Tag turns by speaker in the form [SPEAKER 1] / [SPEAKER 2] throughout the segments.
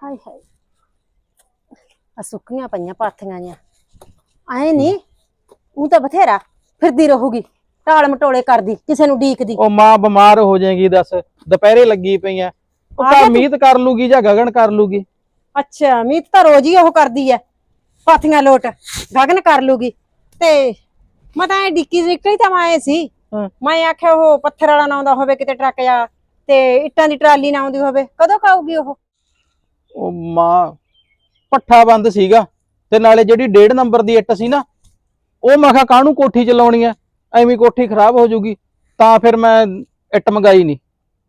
[SPEAKER 1] ਹਾਏ ਹਾਏ ਆ ਸੁੱਕੀਆਂ ਪਈਆਂ ਪਾਥੀਆਂ ਜਾਂ ਆਏ ਨਹੀਂ ਉਹ ਤਾਂ ਬਥੇਰਾ ਫਿਰਦੀ ਰਹੂਗੀ ਟਾਲ ਮਟੋਲੇ ਕਰਦੀ ਕਿਸੇ ਨੂੰ ਡੀਕਦੀ।
[SPEAKER 2] ਉਹ ਮਾਂ ਬਿਮਾਰ ਹੋ ਜਾਏਗੀ ਦੱਸ ਦੁਪਹਿਰੇ ਲੱਗੀ ਪਈਆਂ ਉਹ ਤਾਂ ਮੀਤ ਕਰ ਲੂਗੀ ਜਾਂ ਗਗਨ ਕਰ ਲੂਗੀ।
[SPEAKER 1] ਅੱਛਾ ਮੀਤ ਤਾਂ ਰੋਜ਼ ਹੀ ਉਹ ਕਰਦੀ ਐ ਪਾਥੀਆਂ ਲੋਟ ਗਗਨ ਕਰ ਲੂਗੀ ਤੇ ਮੈਂ ਤਾਂ ਡਿੱਕੀ ਨਿਕਲੀ ਤਾਂ ਮੈਂ ਸੀ ਮੈਂ ਆਖਿਆ ਉਹ ਪੱਥਰ ਵਾਲਾ ਨਾ ਆਉਂਦਾ ਹੋਵੇ ਕਿਤੇ ਟਰੱਕ ਜਾ ਤੇ ਇੱਟਾਂ ਦੀ ਟਰਾਲੀ ਨਾ ਆਉਂਦੀ ਹੋਵੇ ਕਦੋਂ ਖਾਊਗੀ ਉਹ
[SPEAKER 2] ਮਾਂ ਪੱਠਾ ਬੰਦ ਸੀਗਾ ਤੇ ਨਾਲੇ ਜਿਹੜੀ 1.5 ਨੰਬਰ ਦੀ ਇੱਟ ਸੀ ਨਾ ਉਹ ਮੈਂ ਕਿਹਾ ਕਾਹਨੂੰ ਕੋਠੀ ਚ ਲਾਉਣੀ ਐ ਐਵੇਂ ਕੋਠੀ ਖਰਾਬ ਹੋ ਜਾਊਗੀ ਤਾਂ ਫਿਰ ਮੈਂ ਇੱਟ ਮੰਗਾਈ ਨਹੀਂ।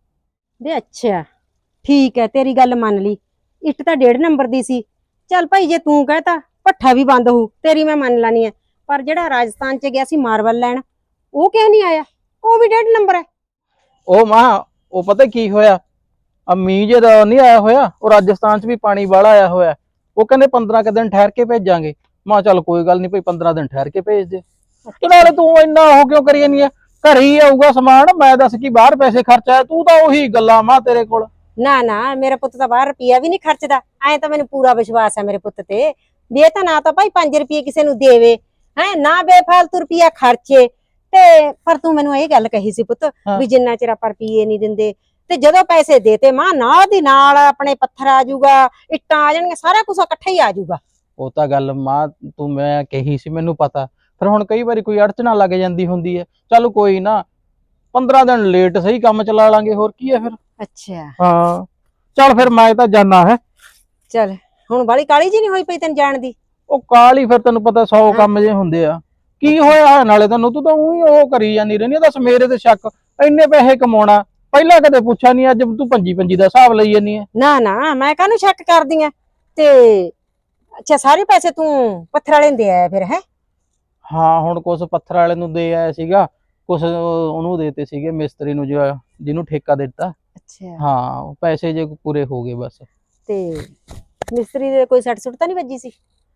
[SPEAKER 1] ਵੇ ਅੱਛਾ ਠੀਕ ਹੈ ਤੇਰੀ ਗੱਲ ਮੰਨ ਲਈ ਇੱਟ ਤਾਂ 1.5 ਨੰਬਰ ਦੀ ਸੀ ਚੱਲ ਭਾਈ ਜੇ ਤੂੰ ਕਹਤਾ ਪੱਠਾ ਵੀ ਬੰਦ ਹੋਊ ਤੇਰੀ ਮੈਂ ਮੰਨ ਲੈਣੀ ਹੈ ਪਰ ਜਿਹੜਾ ਰਾਜਸਥਾਨ ਚ ਗਿਆ ਸੀ ਮਾਰਬਲ ਲੈਣ ਉਹ ਕਿਉਂ ਨਹੀਂ ਆਇਆ ਉਹ ਵੀ 1.5 ਨੰਬਰ ਹੈ।
[SPEAKER 2] ਉਹ ਮਾਂ ਉਹ ਪਤਾ ਕੀ ਹੋਇਆ ਮੀਂਹ ਜਿਹਦਾ ਨਹੀਂ ਆਇਆ ਹੋਇਆ ਉਹ ਰਾਜਸਥਾਨ ਚ ਵੀ ਪਾਣੀ ਵਾਲਾ ਆਇਆ ਹੋਇਆ ਉਹ ਕਹਿੰਦੇ 15 ਕੁ ਦਿਨ ਠਹਿਰ ਕੇ ਭੇਜਾਂਗੇ। ਮੈਂ ਚੱਲ ਕੋਈ ਗੱਲ ਨਹੀਂ ਭਾਈ 15 ਦਿਨ ਠਹਿਰ ਕੇ ਭੇਜ ਦੇ ਤੇ ਨਾਲੇ ਤੂੰ ਇੰਨਾ ਉਹ ਕਿਉਂ ਕਰੀ ਜਾਂਦੀ ਆ ਘਰੇ ਹੀ ਆਊਗਾ ਸਮਾਨ ਮੈਂ ਦੱਸ ਕੀ ਬਾਹਰ ਪੈਸੇ ਖਰਚਾ ਤੂੰ ਤਾਂ ਉਹੀ ਗੱਲਾਂ ਮਾਂ ਤੇਰੇ ਕੋਲ।
[SPEAKER 1] ਨਾ ਮੇਰਾ ਪੁੱਤ ਤਾਂ ਬਾਹਰ ਰੁਪਿਆ ਵੀ ਨਹੀਂ ਖਰਚਦਾ ਐ ਤਾਂ ਮੈਨੂੰ ਪੂਰਾ ਵਿਸ਼ਵਾਸ ਹੈ ਮੇਰੇ ਪੁੱਤ ਤੇ ਵੀ ਇਹ ਤਾਂ ਨਾ ਤਾਂ ਭਾਈ 5 ਰੁਪਏ ਕਿਸੇ ਨੂੰ ਦੇਵੇ ਹੈ ਨਾ ਬੇਫਾਲਤੂ ਰੁਪਿਆ ਖਰਚੇ ਤੇ ਪਰ ਤੂੰ ਮੈਨੂੰ ਇਹ ਗੱਲ ਕਹੀ ਸੀ ਪੁੱਤ ਵੀ ਜਿੰਨਾ ਚਿਰ ਆਪਾਂ ਰੁਪਈਏ ਨਹੀਂ ਦਿੰਦੇ ਤੇ ਜਦੋਂ ਪੈਸੇ ਦੇਤੇ ਮਾਂ ਨਾਲ ਦੀ ਨਾਲ ਆਪਣੇ ਪੱਥਰ ਆ ਜਾਊਗਾ ਇੱਟਾਂ ਆ ਜਾਣਗੀਆਂ ਸਾਰਾ ਕੁਝ ਇਕੱਠਾ ਹੀ ਆ ਜਾਊਗਾ।
[SPEAKER 2] ਉਹ ਤਾਂ ਗੱਲ ਮਾਂ ਤੂੰ ਮੈਂ ਕਹੀ ਸੀ ਮੈਨੂੰ ਪਤਾ ਫਿਰ ਹੁਣ ਕਈ ਵਾਰੀ ਕੋਈ ਅੜਚਨਾ ਲੱਗ ਜਾਂਦੀ ਹੁੰਦੀ ਹੈ ਚੱਲ ਕੋਈ ਨਾ 15 ਦਿਨ ਲੇਟ ਸਹੀ ਕੰਮ ਚਲਾ ਲਾਂਗੇ ਹੋਰ ਕੀ ਹੈ ਫਿਰ।
[SPEAKER 1] ਅੱਛਾ
[SPEAKER 2] ਹਾਂ ਚੱਲ ਫਿਰ ਮੈਂ ਤਾਂ ਜਾਣਾ ਹੈ।
[SPEAKER 1] ਚੱਲ ਹੁਣ ਬਾਲੀ ਕਾਲੀ ਜੀ ਨਹੀਂ ਹੋਈ ਪਈ ਤੈਨੂੰ ਜਾਣ ਦੀ।
[SPEAKER 2] ਉਹ ਕਾਲੀ ਫਿਰ ਤੈਨੂੰ ਪਤਾ 100 ਕੰਮ ਜੇ ਹੁੰਦੇ ਆ ਕੀ ਹੋਇਆ ਨਾਲੇ ਤੈਨੂੰ ਤੂੰ ਤਾਂ ਉਹੀ ਉਹ ਕਰੀ ਜਾਂਦੀ ਰਹਿੰਦੀ ਦੱਸ ਮੇਰੇ ਤੇ ਸ਼ੱਕ ਇੰਨੇ ਪੈਸੇ ਕਮਾਉਣਾ ਪਹਿਲਾਂ ਕਦੇ ਪੁੱਛਿਆ ਨਹੀਂ ਅੱਜ ਤੂੰ 25 ਦਾ ਹਿਸਾਬ ਲਈ ਜਾਂਦੀ ਹੈ।
[SPEAKER 1] ਨਾ ਮੈਂ ਕਾਹਨੂੰ ਸ਼ੱਕ ਕਰਦੀ ਆ ਤੇ ਅੱਛਾ ਸਾਰੇ ਪੈਸੇ ਤੂੰ ਪੱਥਰ ਵਾਲੇ ਨੂੰ ਦੇ ਆਇਆ ਫਿਰ ਹੈ।
[SPEAKER 2] ਹਾਂ ਹੁਣ ਕੁਛ ਪੱਥਰ ਵਾਲੇ ਨੂੰ ਦੇ ਆਇਆ ਸੀਗਾ ਕੁਛ ਉਹਨੂੰ ਦੇਤੇ ਸੀਗੇ ਮਿਸਤਰੀ ਨੂੰ ਜਿਹਨੂੰ ਠੇਕਾ ਦਿੱਤਾ। ਅੱਛਾ ਹਾਂ ਪੈਸੇ ਜੇ ਪੂਰੇ ਹੋ ਗਏ ਬਸ।
[SPEAKER 1] ਤੇ ਮਿਸਤਰੀ ਦੇ ਕੋਈ ਸੱਟ ਸੁੱਟ ਤਾਂ ਨਹੀਂ ਵੱਜੀ ਸੀ?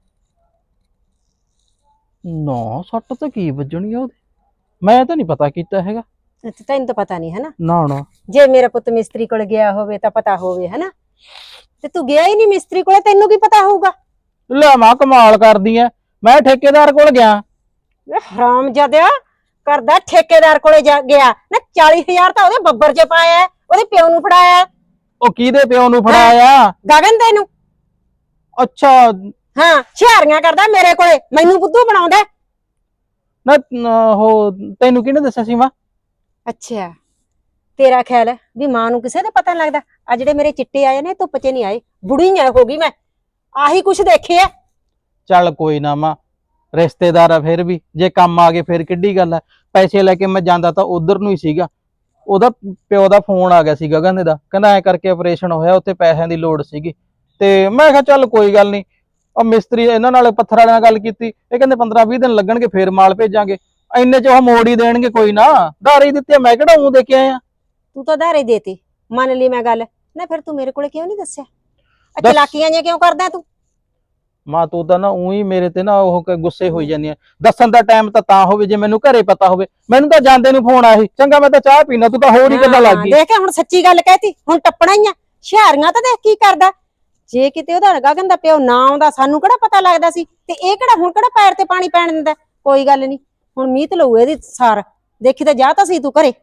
[SPEAKER 2] ਨਾ ਸੱਟ ਤਾਂ ਕੀ ਵੱਜਣੀ ਆ ਉਹਦੇ ਮੈਂ ਤਾਂ ਨਹੀਂ ਪਤਾ ਕੀਤਾ ਹੈਗਾ।
[SPEAKER 1] ਅੱਛਾ ਤੈਨੂੰ ਤਾਂ ਪਤਾ ਨਹੀਂ ਹੈ ਨਾ।
[SPEAKER 2] ਨਾ
[SPEAKER 1] ਜੇ ਮੇਰਾ ਪੁੱਤ ਮਿਸਤਰੀ ਕੋਲ ਗਿਆ ਹੋਵੇ ਤਾਂ ਪਤਾ ਹੋਵੇ ਹੈ ਨਾ ਤੇ ਤੂੰ ਗਿਆ ਹੀ ਨਹੀਂ ਮਿਸਤਰੀ ਕੋਲ ਤੈਨੂੰ ਕੀ ਪਤਾ ਹੋਊਗਾ।
[SPEAKER 2] ਲੈ ਮਾਂ ਕਮਾਲ ਕਰਦੀ ਐ ਮੈਂ ਠੇਕੇਦਾਰ ਕੋਲ ਗਿਆ।
[SPEAKER 1] ਹਰਾਮਜ਼ਾਦਿਆ ਕਰਦਾ ਠੇਕੇਦਾਰ ਕੋਲੇ ਗਿਆ ਨਾ 40,000 ਤਾਂ ਉਹਦੇ ਬੱਬਰ 'ਚ ਪਾਇਆ ਉਹਦੇ ਪਿਓ ਨੂੰ ਫੜਾਇਆ।
[SPEAKER 2] ਉਹ ਕਿਹਦੇ ਪਿਓ ਨੂੰ ਫੜਾਇਆ?
[SPEAKER 1] ਗਗਨ ਤੈਨੂੰ।
[SPEAKER 2] ਅੱਛਾ
[SPEAKER 1] ਹਾਂ ਹੁਸ਼ਿਆਰੀਆਂ ਕਰਦਾ ਮੇਰੇ ਕੋਲੇ ਮੈਨੂੰ ਬੁੱਧੂ ਬਣਾਉਂਦਾ
[SPEAKER 2] ਨਾ ਉਹ ਤੈਨੂੰ ਕਿਹਨੇ ਦੱਸਿਆ ਸੀ ਮਾਂ?
[SPEAKER 1] ਅੱਛਾ ਤੇਰਾ ਖਿਆਲ ਵੀ ਮਾਂ ਨੂੰ ਕਿਸੇ ਦਾ ਪਤਾ ਨਹੀਂ ਲੱਗਦਾ ਆ ਜਿਹੜੇ ਮੇਰੇ ਚਿੱਟੇ ਆਏ ਨੇ ਧੁੱਪ 'ਚ ਨਹੀਂ ਆਏ ਬੁੜੀ ਹੋ ਗਈ ਮੈਂ ਆਹੀ ਕੁਛ ਦੇਖਿਆ।
[SPEAKER 2] ਚੱਲ ਕੋਈ ਨਾ ਮਾਂ ਰਿਸ਼ਤੇਦਾਰ ਆ ਫਿਰ ਵੀ ਜੇ ਕੰਮ ਆ ਗਏ ਫਿਰ ਕਿੱਡੀ ਗੱਲ ਆ ਪੈਸੇ ਲੈ ਕੇ ਮੈਂ ਜਾਂਦਾ ਤਾਂ ਉਧਰ ਨੂੰ ਹੀ ਸੀਗਾ ਉਹਦਾ ਪਿਓ ਦਾ ਫੋਨ ਆ ਗਿਆ ਸੀ ਗਗਨ ਦਾ ਕਹਿੰਦਾ ਐ ਕਰਕੇ ਆਪਰੇਸ਼ਨ ਹੋਇਆ ਉੱਥੇ ਪੈਸਿਆਂ ਦੀ ਲੋੜ ਸੀਗੀ ਤੇ ਮੈਂ ਕਿਹਾ ਚੱਲ ਕੋਈ ਗੱਲ ਨਹੀਂ ਉਹ ਮਿਸਤਰੀ ਇਹਨਾਂ ਨਾਲ ਪੱਥਰ ਵਾਲਿਆਂ ਨਾਲ ਗੱਲ ਕੀਤੀ ਇਹ ਕਹਿੰਦੇ 15-20 ਦਿਨ ਲੱਗਣਗੇ ਫੇਰ ਮਾਲ ਭੇਜਾਂਗੇ ਇੰਨੇ ਚ ਉਹ ਮੋੜ ਹੀ ਦੇਣਗੇ ਕੋਈ ਨਾ ਧਾਰੇ ਦਿੱਤੇ ਮੈਂ ਕਿਹੜਾ ਉਹ ਦੇ ਕੇ ਆਇਆ।
[SPEAKER 1] ਤੂੰ ਤਾਂ ਧਾਰੇ ਦੇਤੀ ਮੰਨ ਲਈ ਮੈਂ ਗੱਲ ਨਾ ਫਿਰ ਤੂੰ ਮੇਰੇ ਕੋਲੇ ਕਿਉਂ ਨਹੀਂ ਦੱਸਿਆ ਚਲਾਕੀਆਂ ਜਿਹੀਆਂ ਕਿਉਂ ਕਰਦਾ ਤੂੰ?
[SPEAKER 2] ਮਾਂ ਤੂੰ ਤਾਂ ਨਾ ਉਹੀ ਮੇਰੇ ਤੇ ਨਾ ਉਹ ਗੁੱਸੇ ਹੋਈ ਜਾਂਦੀ ਆ ਦੱਸਣ ਦਾ ਟਾਈਮ ਤਾਂ ਹੋਵੇ ਜੇ ਮੈਨੂੰ ਘਰੇ ਪਤਾ ਹੋਵੇ ਮੈਨੂੰ ਤਾਂ ਜਾਂਦੇ ਨੂੰ ਫੋਨ ਆਇਆ ਸੀ ਚੰਗਾ ਮੈਂ ਤਾਂ ਚਾਹ ਪੀਣਾ ਤੂੰ ਤਾਂ ਹੋਰ ਹੀ ਗੱਲਾਂ ਲੱਗ ਗਈ।
[SPEAKER 1] ਦੇਖ ਹੁਣ ਸੱਚੀ ਗੱਲ ਕਹਿਤੀ ਹੁਣ ਟੱਪਣਾ ਹੀ ਆ ਹੁਸ਼ਿਆਰੀਆਂ ਤਾਂ ਦੇਖ ਕੀ ਕਰਦਾ ਜੇ ਕਿਤੇ ਉਹਦਾ ਗਗਨ ਦਾ ਪਿਓ ਨਾ ਆਉਂਦਾ ਸਾਨੂੰ ਕਿਹੜਾ ਪਤਾ ਲੱਗਦਾ ਸੀ ਤੇ ਇਹ ਕਿਹੜਾ ਹੁਣ ਕਿਹੜਾ ਪੈਰ ਤੇ ਪਾਣੀ ਪੈਣ ਦਿੰਦਾ। ਕੋਈ ਗੱਲ ਨਹੀਂ ਹੁਣ ਮੀਤ ਲਊ ਇਹਦੀ ਸਾਰ ਦੇਖੀ ਤਾਂ ਜਾ ਤਾਂ ਸੀ ਤੂੰ ਘਰੇ।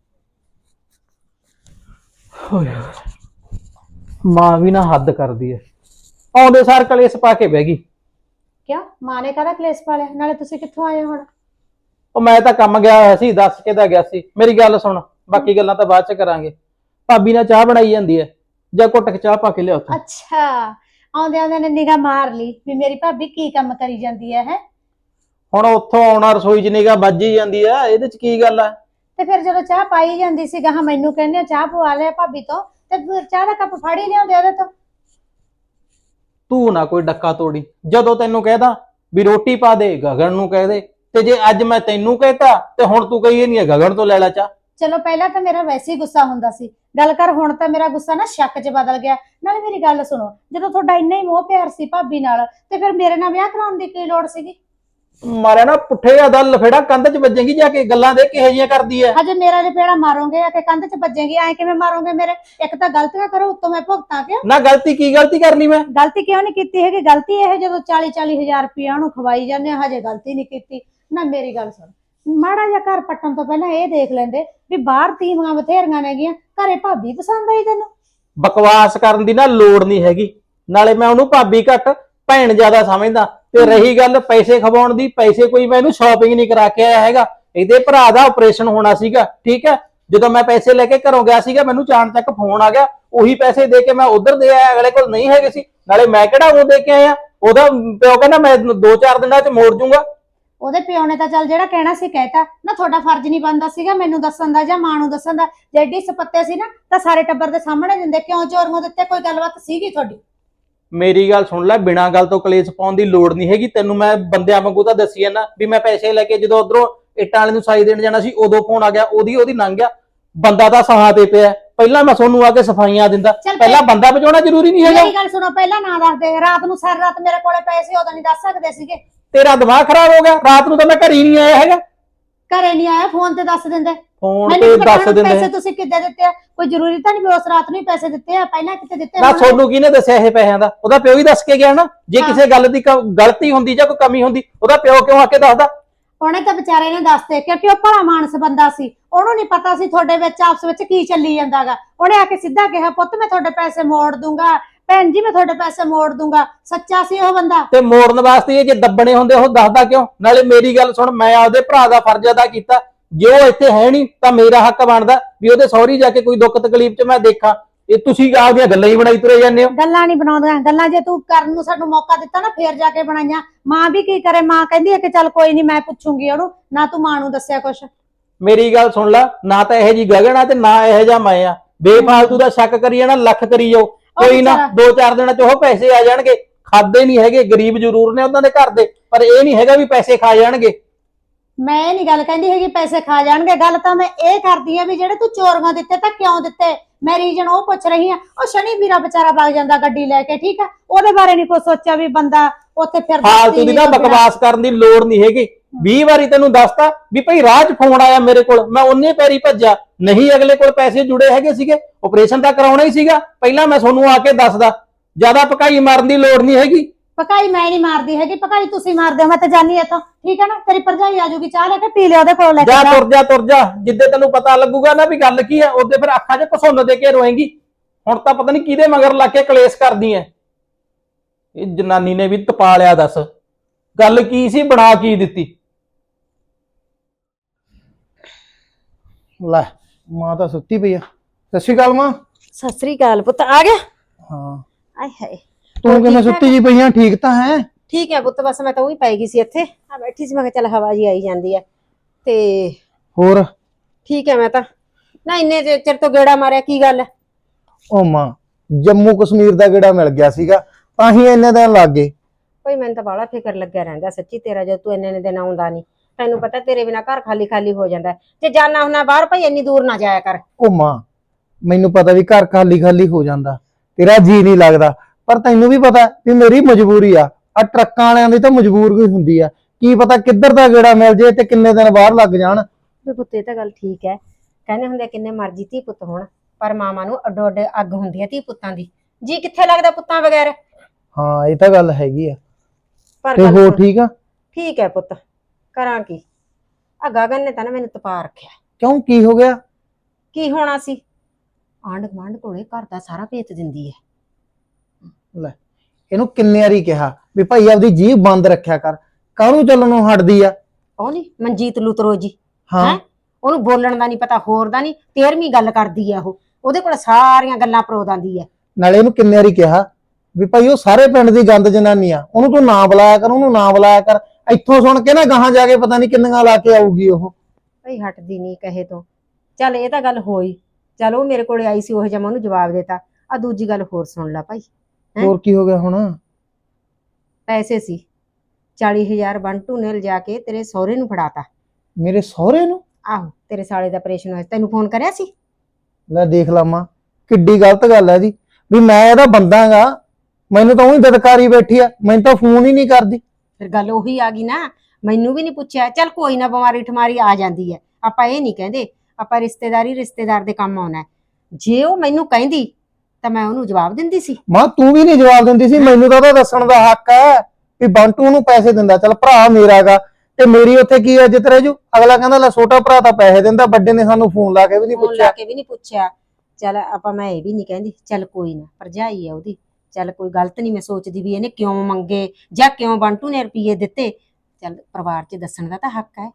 [SPEAKER 2] ਮਾਂ ਵੀ ਨਾ ਹੱਦ ਕਰਦੀ ਐ ਆਉਂਦੇ ਸਾਰ ਕਲੇਸ਼ ਪਾ ਕੇ ਬਹਿ ਗਈ।
[SPEAKER 3] ਕਿਉਂ ਮਾਂ ਨੇ ਕਾਹਦਾ ਕਲੇਸ਼ ਪਾ ਲਿਆ? ਨਾਲੇ ਤੁਸੀਂ ਕਿੱਥੋਂ ਆਏ ਹੁਣ?
[SPEAKER 2] ਉਹ ਮੈਂ ਤਾਂ ਕੰਮ ਗਿਆ ਹੋਇਆ ਸੀ ਦੱਸ ਕੇ ਤਾਂ ਗਿਆ ਸੀ ਮੇਰੀ ਗੱਲ ਸੁਣ ਬਾਕੀ ਗੱਲਾਂ ਤਾਂ ਬਾਅਦ ਚ ਕਰਾਂਗੇ। ਭਾਬੀ ਨਾਲ ਚਾਹ ਬਣਾਈ ਜਾਂਦੀ ਐ ਜਾਂ ਘੁੱਟ ਕੇ ਚਾਹ ਪਾ ਕੇ ਲਿਆ ਉੱਥੇ।
[SPEAKER 3] ਅੱਛਾ ਆਉਂਦੇ ਆਉਂਦੇ ਨੇ ਨਿਗਾਹ ਮਾਰ ਲਈ ਵੀ ਮੇਰੀ ਭਾਬੀ ਕੀ ਕੰਮ ਕਰੀ ਜਾਂਦੀ ਹੈ।
[SPEAKER 2] ਹੁਣ ਉੱਥੋਂ ਆਉਣਾ ਰਸੋਈ 'ਚ ਨਿਗਾਹ ਵੱਜ ਹੀ ਜਾਂਦੀ ਐ ਇਹਦੇ 'ਚ ਕੀ ਗੱਲ ਐ?
[SPEAKER 3] ਤੇ ਫਿਰ ਜਦੋਂ ਚਾਹ ਪਾਈ ਜਾਂਦੀ ਸੀ ਗਾਹਾਂ ਮੈਨੂੰ ਕਹਿੰਦੇ ਚਾਹ ਪਵਾ ਲਿਆ ਭਾਬੀ ਤੋਂ ਤੇ ਫਿਰ ਚਾਹ ਦਾ ਕੱਪ ਫੜ ਹੀ ਲਿਆਉਂਦੇ ਉਹਦੇ ਤੋਂ।
[SPEAKER 2] ਤੂੰ ਨਾ ਕੋਈ ਡੱਕਾ ਤੋੜੀ ਜਦੋਂ ਤੈਨੂੰ ਕਹਿਦਾ ਵੀ ਰੋਟੀ ਪਾ ਦੇ ਗਗਨ ਨੂੰ ਕਹਿ ਦੇ ਤੇ ਜੇ ਅੱਜ ਮੈਂ ਤੈਨੂੰ ਕਹਿਤਾ ਤੇ ਹੁਣ ਤੂੰ ਕਹੀ ਨਹੀਂ ਹੈ ਗਗਨ ਤੋਂ ਲੈ ਲੈ ਚਾਹ।
[SPEAKER 3] ਚਲੋ ਪਹਿਲਾਂ ਤਾਂ ਮੇਰਾ ਵੈਸੇ ਹੀ ਗੁੱਸਾ ਹੁੰਦਾ ਸੀ ਗੱਲ ਕਰ ਹੁਣ ਤਾਂ ਮੇਰਾ ਗੁੱਸਾ ਨਾ ਸ਼ੱਕ 'ਚ ਬਦਲ ਗਿਆ। ਨਾਲੇ ਮੇਰੀ ਗੱਲ ਸੁਣੋ ਜਦੋਂ ਤੁਹਾਡਾ ਇੰਨਾ ਹੀ ਮੋਹ ਪਿਆਰ ਸੀ ਭਾਬੀ ਨਾਲ ਤੇ ਫਿਰ ਮੇਰੇ ਨਾਲ ਵਿਆਹ ਕਰਾਉਣ ਦੀ ਕੀ ਲੋੜ ਸੀਗੀ?
[SPEAKER 2] ਮਾਰਿਆ ਨਾ ਪੁੱਠੇ ਦਾ ਲਫੇੜਾ ਕੰਧ 'ਚ ਵੱਜੇਗੀ ਜਾ ਕੇ। ਗੱਲਾਂ ਦੇ ਕਿਹੋ ਜਿਹੀਆਂ ਕਰਦੀ ਐ।
[SPEAKER 3] ਹਜੇ ਮੇਰਾ ਲਪੇੜਾ ਮਾਰੋਗੇ ਆ ਕਿ ਕੰਧ 'ਚ ਵੱਜੇਗੀ? ਐ ਕਿਵੇਂ ਮਾਰੋਗੇ ਮੇਰੇ? ਇੱਕ ਤਾਂ ਗਲਤੀਆਂ ਕਰੋ ਉੱਤੋਂ ਮੈਂ ਭੁਗਤਾਂ ਕਿਉਂ?
[SPEAKER 2] ਨਾ ਗਲਤੀ ਕੀ ਗਲਤੀ ਕਰ ਲਈ ਮੈਂ?
[SPEAKER 3] ਗਲਤੀ ਕਿਉਂ ਨਹੀਂ ਕੀਤੀ ਹੈਗੀ? ਗਲਤੀ ਇਹ ਜਦੋਂ 40-40 ਹਜ਼ਾਰ ਰੁਪਇਆ ਉਹਨੂੰ ਖਵਾਈ ਜਾਂਦੇ ਆ, ਹਜੇ ਗਲਤੀ ਨਹੀਂ ਕੀਤੀ ਨਾ। ਮੇਰੀ ਗੱਲ ਸੁਣ, ਮਾੜਾ ਜਿਹਾ ਘਰ ਪੱਟਣ ਤੋਂ ਪਹਿਲਾਂ ਇਹ ਦੇਖ ਲੈਂਦੇ ਵੀ ਬਾਹਰ ਤੀਵੀਆਂ ਬਥੇਰੀਆਂ ਨੇਗੀਆਂ, ਘਰੇ ਭਾਬੀ ਪਸੰਦ ਆਈ ਤੈਨੂੰ?
[SPEAKER 2] ਬਕਵਾਸ ਕਰਨ ਦੀ ਨਾ ਲੋੜ ਨਹੀਂ ਹੈਗੀ। ਨਾਲੇ ਮੈਂ ਉਹਨੂੰ ਭਾਬੀ ਘੱਟ ਭੈਣ ਜ਼ਿਆਦਾ ਸਮਝਦਾ। ਤੇ ਰਹੀ ਗੱਲ ਪੈਸੇ ਖਵਾਉਣ ਦੀ, ਪੈਸੇ ਕੋਈ ਮੈਂ ਇਹਨੂੰ ਸ਼ਾਪਿੰਗ ਨਹੀਂ ਕਰਾ ਕੇ ਆਇਆ ਹੈਗਾ। ਇਹਦੇ ਭਰਾ ਦਾ ਆਪਰੇਸ਼ਨ ਹੋਣਾ ਸੀਗਾ, ਠੀਕ ਹੈ। ਜਦੋਂ ਮੈਂ ਪੈਸੇ ਲੈ ਕੇ ਘਰੋਂ ਗਿਆ ਸੀਗਾ, ਮੈਨੂੰ ਚਾਣ ਚੱਕ ਫੋਨ ਆ ਗਿਆ। ਉਹੀ ਪੈਸੇ ਦੇ ਕੇ ਮੈਂ ਉਧਰ ਦੇ ਆਇਆ, ਅਗਲੇ ਕੋਲ ਨਹੀਂ ਹੈਗੇ ਸੀ। ਨਾਲੇ ਮੈਂ ਕਿਹੜਾ ਉਹ ਦੇ ਕੇ ਆਇਆ, ਉਹਦਾ ਪਿਓ ਕਹਿੰਦਾ ਮੈਂ 2-4 ਦਿਨਾਂ 'ਚ ਮੋੜ ਜੂੰਗਾ।
[SPEAKER 3] ਉਹਦੇ ਪਿਓ ਨੇ ਤਾਂ ਚੱਲ ਜਿਹੜਾ ਕਹਿਣਾ ਸੀ ਕਹਿਤਾ ਨਾ। ਤੁਹਾਡਾ ਫਰਜ਼ ਨਹੀਂ ਬਣਦਾ ਸੀਗਾ ਮੈਨੂੰ ਦੱਸਣ ਦਾ ਜਾਂ ਮਾਂ ਨੂੰ ਦੱਸਣ ਦਾ? ਜੇ ਐਡੀ ਸਪੱਤੇ ਸੀ ਨਾ ਤਾਂ ਸਾਰੇ ਟੱਬਰ ਦੇ ਸਾਹਮਣੇ ਦਿੰਦੇ। ਕਿਉਂ ਚੋਰੀਆਂ ਦਿੱਤੇ? ਕੋਈ ਗੱਲਬਾਤ ਸੀਗੀ ਤੁਹਾਡੀ?
[SPEAKER 2] ਮੇਰੀ ਗੱਲ ਸੁਣ ਲੈ, ਬਿਨਾਂ ਗੱਲ ਤੋਂ ਕਲੇਸ਼ ਪਾਉਣ ਦੀ ਲੋੜ ਨਹੀਂ ਹੈਗੀ। ਤੈਨੂੰ ਮੈਂ ਬੰਦਿਆਂ ਵਾਂਗੂ ਤਾਂ ਦੱਸੀ ਨਾ ਵੀ ਮੈਂ ਪੈਸੇ ਲੈ ਕੇ ਜਦੋਂ ਉਧਰੋਂ ਇੱਟਾਂ ਵਾਲੇ ਨੂੰ ਸਾਈ ਦੇਣ ਜਾਣਾ ਸੀ, ਉਦੋਂ ਫੋਨ ਆ ਗਿਆ। ਉਹਦੀ ਲੰਘ ਗਿਆ। ਬੰਦਾ ਤਾਂ ਸਾਹਾਂ ਤੇ ਪਿਆ। ਪਹਿਲਾਂ ਮੈਂ ਤੁਹਾਨੂੰ ਆ ਕੇ ਸਫਾਈਆਂ ਦਿੰਦਾ। ਪਹਿਲਾਂ ਬੰਦਾ ਬਚਾਉਣਾ ਜ਼ਰੂਰੀ ਨਹੀਂ ਹੈਗਾ।
[SPEAKER 3] ਮੇਰੀ ਗੱਲ ਸੁਣੋ, ਪਹਿਲਾਂ ਨਾ ਦੱਸਦੇ। ਰਾਤ ਨੂੰ ਸਾਰੀ ਰਾਤ ਮੇਰੇ ਕੋਲੇ ਪੈਸੇ ਉਦੋਂ ਨਹੀਂ ਦੱਸ ਸਕਦੇ ਸੀਗੇ।
[SPEAKER 2] ਤੇਰਾ ਦਿਮਾਗ ਖਰਾਬ ਹੋ ਗਿਆ। ਰਾਤ ਨੂੰ ਤਾਂ ਮੈਂ ਘਰ ਹੀ ਨਹੀਂ ਆਇਆ ਹੈਗਾ।
[SPEAKER 3] ਘਰੇ ਨਹੀਂ ਆਇਆ, ਫੋਨ ਤੇ ਦੱਸ ਦਿੰਦੇ।
[SPEAKER 2] ਫੋਨ ਤੇ ਦੱਸ ਦਿੰਦੇ।
[SPEAKER 3] ਪੈਸੇ ਤੁਸੀਂ ਕਿੱਦਾਂ ਦਿੱਤੇ ਆ? ਕੋਈ ਜ਼ਰੂਰੀ ਤਾਂ ਨਹੀਂ ਵੀ ਉਸ ਰਾਤ ਨੂੰ ਹੀ ਪੈਸੇ ਦਿੱਤੇ ਆ? ਪਹਿਲਾਂ ਕਿੱਥੇ ਦਿੱਤੇ?
[SPEAKER 2] ਨਾ ਤੁਹਾਨੂੰ ਕਿਹਨੇ ਦੱਸਿਆ ਇਹ ਪੈਸਿਆਂ ਦਾ? ਉਹਦਾ ਪਿਓ ਹੀ ਦੱਸ ਕੇ ਗਿਆ ਨਾ। ਜੇ ਕਿਸੇ ਗੱਲ ਦੀ ਗਲਤੀ ਹੁੰਦੀ ਜਾਂ ਕੋਈ ਕਮੀ ਹੁੰਦੀ, ਉਹਦਾ ਪਿਓ ਕਿਉਂ ਆ ਕੇ ਦੱਸਦਾ?
[SPEAKER 3] ਉਹਨੇ ਤਾਂ ਵਿਚਾਰੇ ਨੇ ਦੱਸਦੇ, ਕਿਉਂਕਿ ਉਹ ਭਲਾ ਮਾਨਸ ਬੰਦਾ ਸੀ। ਉਹਨੂੰ ਨਹੀਂ ਪਤਾ ਸੀ ਤੁਹਾਡੇ ਵਿੱਚ ਆਪਸ ਵਿੱਚ ਕੀ ਚੱਲੀ ਜਾਂਦਾਗਾ। ਉਹਨੇ ਆ ਕੇ ਸਿੱਧਾ ਕਿਹਾ, ਪੁੱਤ ਮੈਂ ਤੁਹਾਡੇ ਪੈਸੇ ਮੋੜ ਦੂੰਗਾ, ਭੈਣ ਜੀ ਮੈਂ ਤੁਹਾਡੇ ਪੈਸੇ ਮੋੜ ਦੂੰਗਾ। ਸੱਚਾ ਸੀ ਉਹ ਬੰਦਾ।
[SPEAKER 2] ਤੇ ਮੋੜਨ ਵਾਸਤੇ ਇਹ ਜੇ ਦੱਬਣੇ ਹੁੰਦੇ ਉਹ ਦੱਸਦਾ ਕਿਉਂ? ਨਾਲੇ ਮੇਰੀ ਗੱਲ ਸੁਣ, ਮੈਂ ਆਪਦੇ ਭਰਾ ਦਾ ਫਰਜ਼ ਅਦਾ ਕੀਤਾ। ਜੇ ਉਹ ਇੱਥੇ ਹੈ ਨਹੀਂ ਤਾਂ ਮੇਰਾ ਹੱਕ ਬਣਦਾ ਵੀ ਉਹਦੇ ਸਹੁਰੀ ਜਾ ਕੇ ਕੋਈ ਦੁੱਖ ਤਕਲੀਫ 'ਚ ਮੈਂ ਦੇਖਾਂ। ਇਹ ਤੁਸੀਂ ਆਪਦੀਆਂ ਗੱਲਾਂ ਹੀ ਬਣਾਈ ਤੁਰੇ ਜਾਂਦੇ ਹੋ।
[SPEAKER 3] ਗੱਲਾਂ ਨਹੀਂ ਬਣਾਉਂਦੀਆਂ। ਗੱਲਾਂ ਜੇ ਤੂੰ ਕਰਨ ਨੂੰ ਸਾਨੂੰ ਮੌਕਾ ਦਿੱਤਾ ਨਾ, ਫੇਰ ਜਾ ਕੇ ਬਣਾਈਆਂ। ਮਾਂ ਵੀ ਕੀ ਕਰੇ? ਮਾਂ ਕਹਿੰਦੀ ਹੈ ਕਿ ਚੱਲ ਕੋਈ ਨਹੀਂ ਮੈਂ ਪੁੱਛੂੰਗੀ ਉਹਨੂੰ। ਨਾ ਤੂੰ ਮਾਂ ਨੂੰ ਦੱਸਿਆ ਕੁਛ।
[SPEAKER 2] ਮੇਰੀ ਗੱਲ ਸੁਣ ਲੈ, ਨਾ ਤਾਂ ਇਹੋ ਜੀ ਗਗਨ ਆ ਤੇ ਨਾ ਇਹੋ ਜਿਹਾ ਮੈਂ ਆ। ਬੇਫਾਲਤੂ ਦਾ ਸ਼ੱਕ ਕਰੀ ਜਾਣਾ, ਲੱਖ ਕਰੀ ਜਾਓ। ਕੋਈ ਨਾ 2-4 ਦਿਨਾਂ 'ਚ ਉਹ ਪੈਸੇ ਆ ਜਾਣਗੇ। ਖਾਦੇ ਨਹੀਂ ਹੈਗੇ, ਗਰੀਬ ਜ਼ਰੂਰ ਨੇ ਉਹਨਾਂ ਦੇ ਘਰ ਦੇ, ਪਰ ਇਹ ਨਹੀਂ ਹੈਗਾ ਵੀ ਪੈਸੇ ਖਾ ਜਾਣਗੇ।
[SPEAKER 3] ਮੈਂ ਇਹ ਨਹੀਂ ਗੱਲ ਕਹਿੰਦੀ ਹੈਗੀ ਪੈਸੇ ਖਾ ਜਾਣਗੇ। ਗੱਲ ਤਾਂ ਮੈਂ ਇਹ ਕਰਦੀ ਆ ਵੀ ਜਿਹੜੇ ਤੂੰ ਚੋਰੀਆਂ ਦਿੱਤੇ ਤਾਂ ਕਿਉਂ ਦਿੱਤੇ? ਮੈਂ ਰੀਜਨ ਉਹ ਪੁੱਛ ਰਹੀ ਆ। ਉਹ ਸ਼ਨੀ ਵੀਰਾ ਵਿਚਾਰਾ ਵਗ ਜਾਂਦਾ ਗੱਡੀ ਲੈ ਕੇ, ਠੀਕ ਆ? ਉਹਦੇ ਬਾਰੇ ਨਹੀਂ ਕੋਈ ਸੋਚਿਆ ਵੀ ਬੰਦਾ ਉੱਥੇ ਫਿਰਦਾ?
[SPEAKER 2] ਫਾਲਤੂ ਦੀ ਨਾ ਬਕਵਾਸ ਕਰਨ ਦੀ ਲੋੜ ਨਹੀਂ ਹੈਗੀ। 20 ਵਾਰੀ ਤੈਨੂੰ ਦੱਸਤਾ ਵੀ ਭਾਈ ਰਾਹ 'ਚ ਫੋਨ ਆਇਆ ਮੇਰੇ ਕੋਲ, ਮੈਂ ਉਹਨੇ ਪੈਰੀ ਭੱਜਿਆ। ਨਹੀਂ ਅਗਲੇ ਕੋਲ ਪੈਸੇ ਜੁੜੇ ਹੈਗੇ ਸੀਗੇ, ਆਪਰੇਸ਼ਨ ਤਾਂ ਕਰਾਉਣਾ ਹੀ ਸੀਗਾ। ਪਹਿਲਾਂ ਮੈਂ ਤੁਹਾਨੂੰ ਆ ਕੇ ਦੱਸਦਾ। ਜ਼ਿਆਦਾ ਭਕਾਈ ਮਾਰਨ ਦੀ ਲੋੜ ਨਹੀਂ ਹੈਗੀ।
[SPEAKER 3] ਪਕਾਈ ਮੈਂ ਨਹੀਂ ਮਾਰਦੀ ਹੈਗੀ, ਪਕਾਈ ਤੁਸੀਂ ਮਾਰਦੇ ਹੋ। ਮੈਂ ਤਾਂ ਜਾਨੀ ਇੱਥੋਂ, ਠੀਕ ਹੈ ਨਾ? ਤੇਰੀ ਭਰਜਾਈ ਆ ਜਾਊਗੀ, ਚਾਹ ਲੈ ਕੇ ਪੀ ਲਿਆ ਉਹਦੇ ਕੋਲ ਲੈ ਕੇ
[SPEAKER 2] ਜਾ
[SPEAKER 3] ਜਾ।
[SPEAKER 2] ਤੁਰ ਜਾ। ਜਿੱਦੇ ਤੈਨੂੰ ਪਤਾ ਲੱਗੂਗਾ ਨਾ ਵੀ ਗੱਲ ਕੀ ਹੈ, ਉਹਦੇ ਫਿਰ ਅੱਖਾਂ 'ਚ ਘਸੁੰਨ ਦੇ ਕੇ ਰੋਏਂਗੀ। ਹੁਣ ਤਾਂ ਪਤਾ ਨਹੀਂ ਕਿਹਦੇ ਮਗਰ ਲੱਗ ਕੇ ਕਲੇਸ਼ ਕਰਦੀ ਐ। ਇਹ ਜਨਾਨੀ ਨੇ ਵੀ ਤਪਾ ਲਿਆ। ਦੱਸ ਗੱਲ ਕੀ ਸੀ, ਬਣਾ ਕੀ ਦਿੱਤੀ?
[SPEAKER 4] ਲੈ ਮਾਂ ਤਾਂ ਸੁੱਤੀ ਪਈ ਆ। ਸਤਿ ਸ਼੍ਰੀ ਅਕਾਲ ਮਾਂ।
[SPEAKER 1] ਸਤਿ ਸ੍ਰੀ ਅਕਾਲ ਪੁੱਤ। ਆ ਗਿਆ?
[SPEAKER 4] ਹਾਂ,
[SPEAKER 1] ਆਏ ਹਾਏ।
[SPEAKER 4] ਤੂੰ ਕਿਵੇਂ ਸੁੱਤੀ ਜੀ ਪਈ ਆ? ਠੀਕ ਤਾਂ ਹੈ?
[SPEAKER 1] ਠੀਕ ਹੈ ਪੁੱਤ, ਬਸ ਮੈਂ ਤਾਂ ਉਹੀ ਪੈ ਗਈ ਸੀ ਇੱਥੇ ਆ ਬੈਠੀ ਸੀ। ਮੈਂ ਕਿਹਾ ਚੱਲ ਹਵਾ ਜੀ ਆਈ ਜਾਂਦੀ ਹੈ ਤੇ
[SPEAKER 4] ਹੋਰ?
[SPEAKER 1] ਠੀਕ ਹੈ। ਮੈਂ ਤਾਂ ਨਾ ਇੰਨੇ ਚਿਰ ਤੋਂ ਗੇੜਾ ਮਾਰਿਆ, ਕੀ ਗੱਲ ਹੈ?
[SPEAKER 4] ਉਹ ਮਾਂ, ਜੰਮੂ ਕਸ਼ਮੀਰ ਦਾ ਗੇੜਾ ਮਿਲ ਗਿਆ ਸੀਗਾ, ਤਾਂ ਹੀ ਇੰਨੇ ਦਿਨ ਲੱਗ ਗਏ।
[SPEAKER 1] ਕੋਈ ਮੈਨੂੰ ਤਾਂ ਬਾਹਲਾ ਫਿਕਰ ਲੱਗਿਆ ਰਹਿੰਦਾ ਸੱਚੀ ਤੇਰਾ, ਜਦ ਤੂੰ ਇੰਨੇ ਦਿਨ ਆਉਂਦਾ ਨਹੀਂ। ਤੈਨੂੰ ਪਤਾ ਤੇਰੇ ਬਿਨਾ ਘਰ ਖਾਲੀ ਖਾਲੀ ਹੋ ਜਾਂਦਾ। ਜੇ ਜਾਣਾ ਹੁੰਦਾ ਬਾਹਰ ਭਾਈ ਇੰਨੀ ਦੂਰ ਨਾ ਜਾਇਆ ਕਰ।
[SPEAKER 4] ਉਹ ਮਾਂ, ਮੈਨੂੰ ਪਤਾ ਵੀ ਘਰ ਖਾਲੀ ਖਾਲੀ ਹੋ ਜਾਂਦਾ, ਤੇਰਾ ਜੀ ਨਹੀਂ ਲੱਗਦਾ, ਪਰ ਤੈਨੂੰ ਵੀ ਪਤਾ ਵੀ ਮੇਰੀ ਮਜਬੂਰੀ ਆ ਟਰੱਕਾਂ ਵਾਲਿਆਂ ਦੀ ਤਾਂ ਮਜਬੂਰ ਵੀ ਹੁੰਦੀ ਆ। ਕੀ ਪਤਾ ਕਿੱਧਰ ਦਾ ਗੇੜਾ ਮਿਲ ਜੇ ਤੇ ਕਿੰਨੇ ਦਿਨ ਬਾਹਰ ਲੱਗ ਜਾਣ।
[SPEAKER 1] ਵੀ ਪੁੱਤ ਇਹ ਤਾਂ ਗੱਲ ਠੀਕ ਹੈ। ਕਹਿੰਦੇ ਹੁੰਦੇ ਕਿੰਨੇ ਮਰਜ਼ੀ ਧੀ ਪੁੱਤ ਹੋਣ, ਪਰ ਮਾਵਾਂ ਨੂੰ ਅੱਡੋ ਅੱਡ ਅੱਗ ਹੁੰਦੀ ਹੈ ਧੀ ਪੁੱਤਾਂ ਦੀ। ਜੀ ਕਿੱਥੇ ਲੱਗਦਾ ਪੁੱਤਾਂ ਬਗੈਰ?
[SPEAKER 4] ਹਾਂ ਇਹ ਤਾਂ ਗੱਲ ਹੈਗੀ ਆ।
[SPEAKER 1] ਪਰ
[SPEAKER 4] ਤੇ
[SPEAKER 1] ਗੱਲ
[SPEAKER 4] ਹੋਰ
[SPEAKER 1] ਸੁਣ,
[SPEAKER 4] ਠੀਕ ਆ?
[SPEAKER 1] ਠੀਕ ਹੈ ਪੁੱਤ, ਕਰਾਂ ਕੀ? ਆ ਗਗਨ ਨੇ ਤਾਂ ਨਾ ਮੈਨੂੰ ਤਪਾ ਰੱਖਿਆ।
[SPEAKER 4] ਕਿਉਂ, ਕੀ ਹੋ ਗਿਆ?
[SPEAKER 1] ਕੀ ਹੋਣਾ ਸੀ? ਆਂਢ ਗੁਆਂਢ ਕੋਲੇ ਘਰ ਦਾ ਸਾਰਾ ਭੇਤ ਦਿੰਦੀ ਹੈ।
[SPEAKER 4] ਲੈ, ਇਹਨੂੰ ਕਿੰਨੇ ਵਾਰੀ ਕਿਹਾ ਵੀ ਭਾਈ ਆਪਦੀ ਜੀਭ ਬੰਦ ਰੱਖਿਆ ਕਰ, ਕਾਹਨੂੰ ਚੱਲਣੋਂ ਹਟਦੀ ਆ?
[SPEAKER 1] ਉਹ ਨਹੀਂ ਮਨਜੀਤ ਲੁਤਰੋ ਜੀ,
[SPEAKER 4] ਹਾਂ
[SPEAKER 1] ਹੈਂ? ਉਹਨੂੰ ਬੋਲਣ ਦਾ ਨਹੀਂ ਪਤਾ, ਹੋਰ ਦਾ ਨਹੀਂ। 13ਵੀਂ ਗੱਲ ਕਰਦੀ ਆ ਉਹ, ਉਹਦੇ ਕੋਲ ਸਾਰੀਆਂ ਗੱਲਾਂ ਪਰੋ ਦਿੰਦੀ ਹੈ।
[SPEAKER 4] ਨਾਲੇ ਇਹਨੂੰ ਕਿੰਨੇ ਵਾਰੀ ਕਿਹਾ ਵੀ ਭਾਈ ਉਹ ਸਾਰੇ ਪਿੰਡ ਦੀ ਗੰਦ ਜਨਾਨੀ ਆ, ਉਹਨੂੰ ਤੂੰ ਨਾ ਬੁਲਾਇਆ ਕਰ, ਉਹਨੂੰ ਨਾ ਬੁਲਾਇਆ ਕਰ। ਇੱਥੋਂ ਸੁਣ ਕੇ ਨਾ ਗਾਹਾਂ ਜਾ ਕੇ ਪਤਾ ਨਹੀਂ ਕਿੰਨੀਆਂ ਲਾ ਕੇ ਆਊਗੀ ਉਹ।
[SPEAKER 1] ਭਈ ਹਟਦੀ ਨਹੀਂ ਕਹੇ ਤੋਂ। ਚੱਲ ਇਹ ਤਾਂ ਗੱਲ ਹੋਈ, ਚਲ ਉਹ ਮੇਰੇ ਕੋਲੇ ਆਈ ਸੀ, ਉਹ ਜਿਹਾ ਮੈਂ ਉਹਨੂੰ ਜਵਾਬ ਦੇਤਾ। ਆ ਦੂਜੀ ਗੱਲ ਹੋਰ ਸੁਣ ਲੈ ਭਾਈ।
[SPEAKER 4] ਹੋਰ ਕੀ ਹੋ ਗਿਆ ਹੁਣ?
[SPEAKER 1] ਪੈਸੇ ਸੀ 40,000 ਬੰਟੂ ਨੇ ਲਿਜਾ ਕੇ ਤੇਰੇ ਸਹੁਰੇ ਨੂੰ ਫੜਾਤਾ।
[SPEAKER 4] ਮੇਰੇ ਸਹੁਰੇ ਨੂੰ?
[SPEAKER 1] ਆਹੋ, ਤੇਰੇ ਸਾਲੇ ਦਾ ਆਪਰੇਸ਼ਨ ਹੋਇਆ, ਤੈਨੂੰ ਫੋਨ ਕਰਿਆ ਸੀ?
[SPEAKER 4] ਲੈ ਦੇਖ ਲਾਵਾਂ, ਕਿੱਡੀ ਗਲਤ ਗੱਲ ਹੈ ਇਹਦੀ ਵੀ ਮੈਂ ਇਹਦਾ ਬੰਦਾਗਾ, ਮੈਨੂੰ ਤਾਂ ਉਹੀ ਦਦਕਾਰੀ ਬੈਠੀ ਆ, ਮੈਨੂੰ ਤਾਂ ਫੋਨ ਹੀ ਨਹੀਂ ਕਰਦੀ।
[SPEAKER 1] ਫਿਰ ਗੱਲ ਉਹੀ ਆ ਗਈ ਨਾ, ਮੈਨੂੰ ਵੀ ਨਹੀਂ ਪੁੱਛਿਆ। ਚੱਲ ਕੋਈ ਨਾ, ਬਿਮਾਰੀ ਠਮਾਰੀ ਆ ਜਾਂਦੀ ਹੈ, ਆਪਾਂ ਇਹ ਨਹੀਂ ਕਹਿੰਦੇ, ਆਪਾਂ ਰਿਸ਼ਤੇਦਾਰੀ ਰਿਸ਼ਤੇਦਾਰ ਦੇ ਕੰਮ ਆਉਣਾ ਹੈ। ਜੇ ਉਹ ਮੈਨੂੰ ਕਹਿੰਦੀ ਤਾਂ ਮੈਂ ਉਹਨੂੰ ਜਵਾਬ ਦਿੰਦੀ ਸੀ।
[SPEAKER 4] ਮਾਂ ਤੂੰ ਵੀ ਨਹੀਂ ਜਵਾਬ ਦਿੰਦੀ ਸੀ, ਮੈਨੂੰ ਤਾਂ ਉਹਦਾ ਦੱਸਣ ਦਾ ਹੱਕ ਹੈ ਵੀ ਬੰਟੂ ਨੂੰ ਪੈਸੇ ਦਿੰਦਾ, ਚੱਲ ਭਰਾ ਮੇਰਾਗਾ ਤੇ ਮੇਰੀ ਉੱਥੇ ਕੀ ਇੱਜ਼ਤ ਰਹਿ ਜੂ। ਅਗਲਾ ਕਹਿੰਦਾ ਲੈ ਛੋਟਾ ਭਰਾ ਤਾਂ ਪੈਸੇ ਦਿੰਦਾ, ਵੱਡੇ ਨੇ ਸਾਨੂੰ ਫੋਨ ਲਾ ਕੇ ਵੀ ਨਹੀਂ
[SPEAKER 1] ਫੋਨ
[SPEAKER 4] ਪੁੱਛਿਆ।
[SPEAKER 1] ਲਾ ਕੇ ਵੀ ਨਹੀਂ ਪੁੱਛਿਆ। ਚੱਲ ਆਪਾਂ, ਮੈਂ ਇਹ ਵੀ ਨਹੀਂ ਕਹਿੰਦੀ, ਚੱਲ ਕੋਈ ਨਾ, ਭਰਜਾਈ ਹੈ ਉਹਦੀ, ਚੱਲ ਕੋਈ ਗਲਤ ਨਹੀਂ ਮੈਂ ਸੋਚਦੀ ਵੀ ਇਹਨੇ ਕਿਉਂ ਮੰਗੇ ਜਾਂ ਕਿਉਂ ਬੰਟੂ ਨੇ ਰੁਪਈਏ ਦਿੱਤੇ। ਚੱਲ ਪਰਿਵਾਰ 'ਚ ਦੱਸਣ ਦਾ ਤਾਂ ਹੱਕ ਹੈ।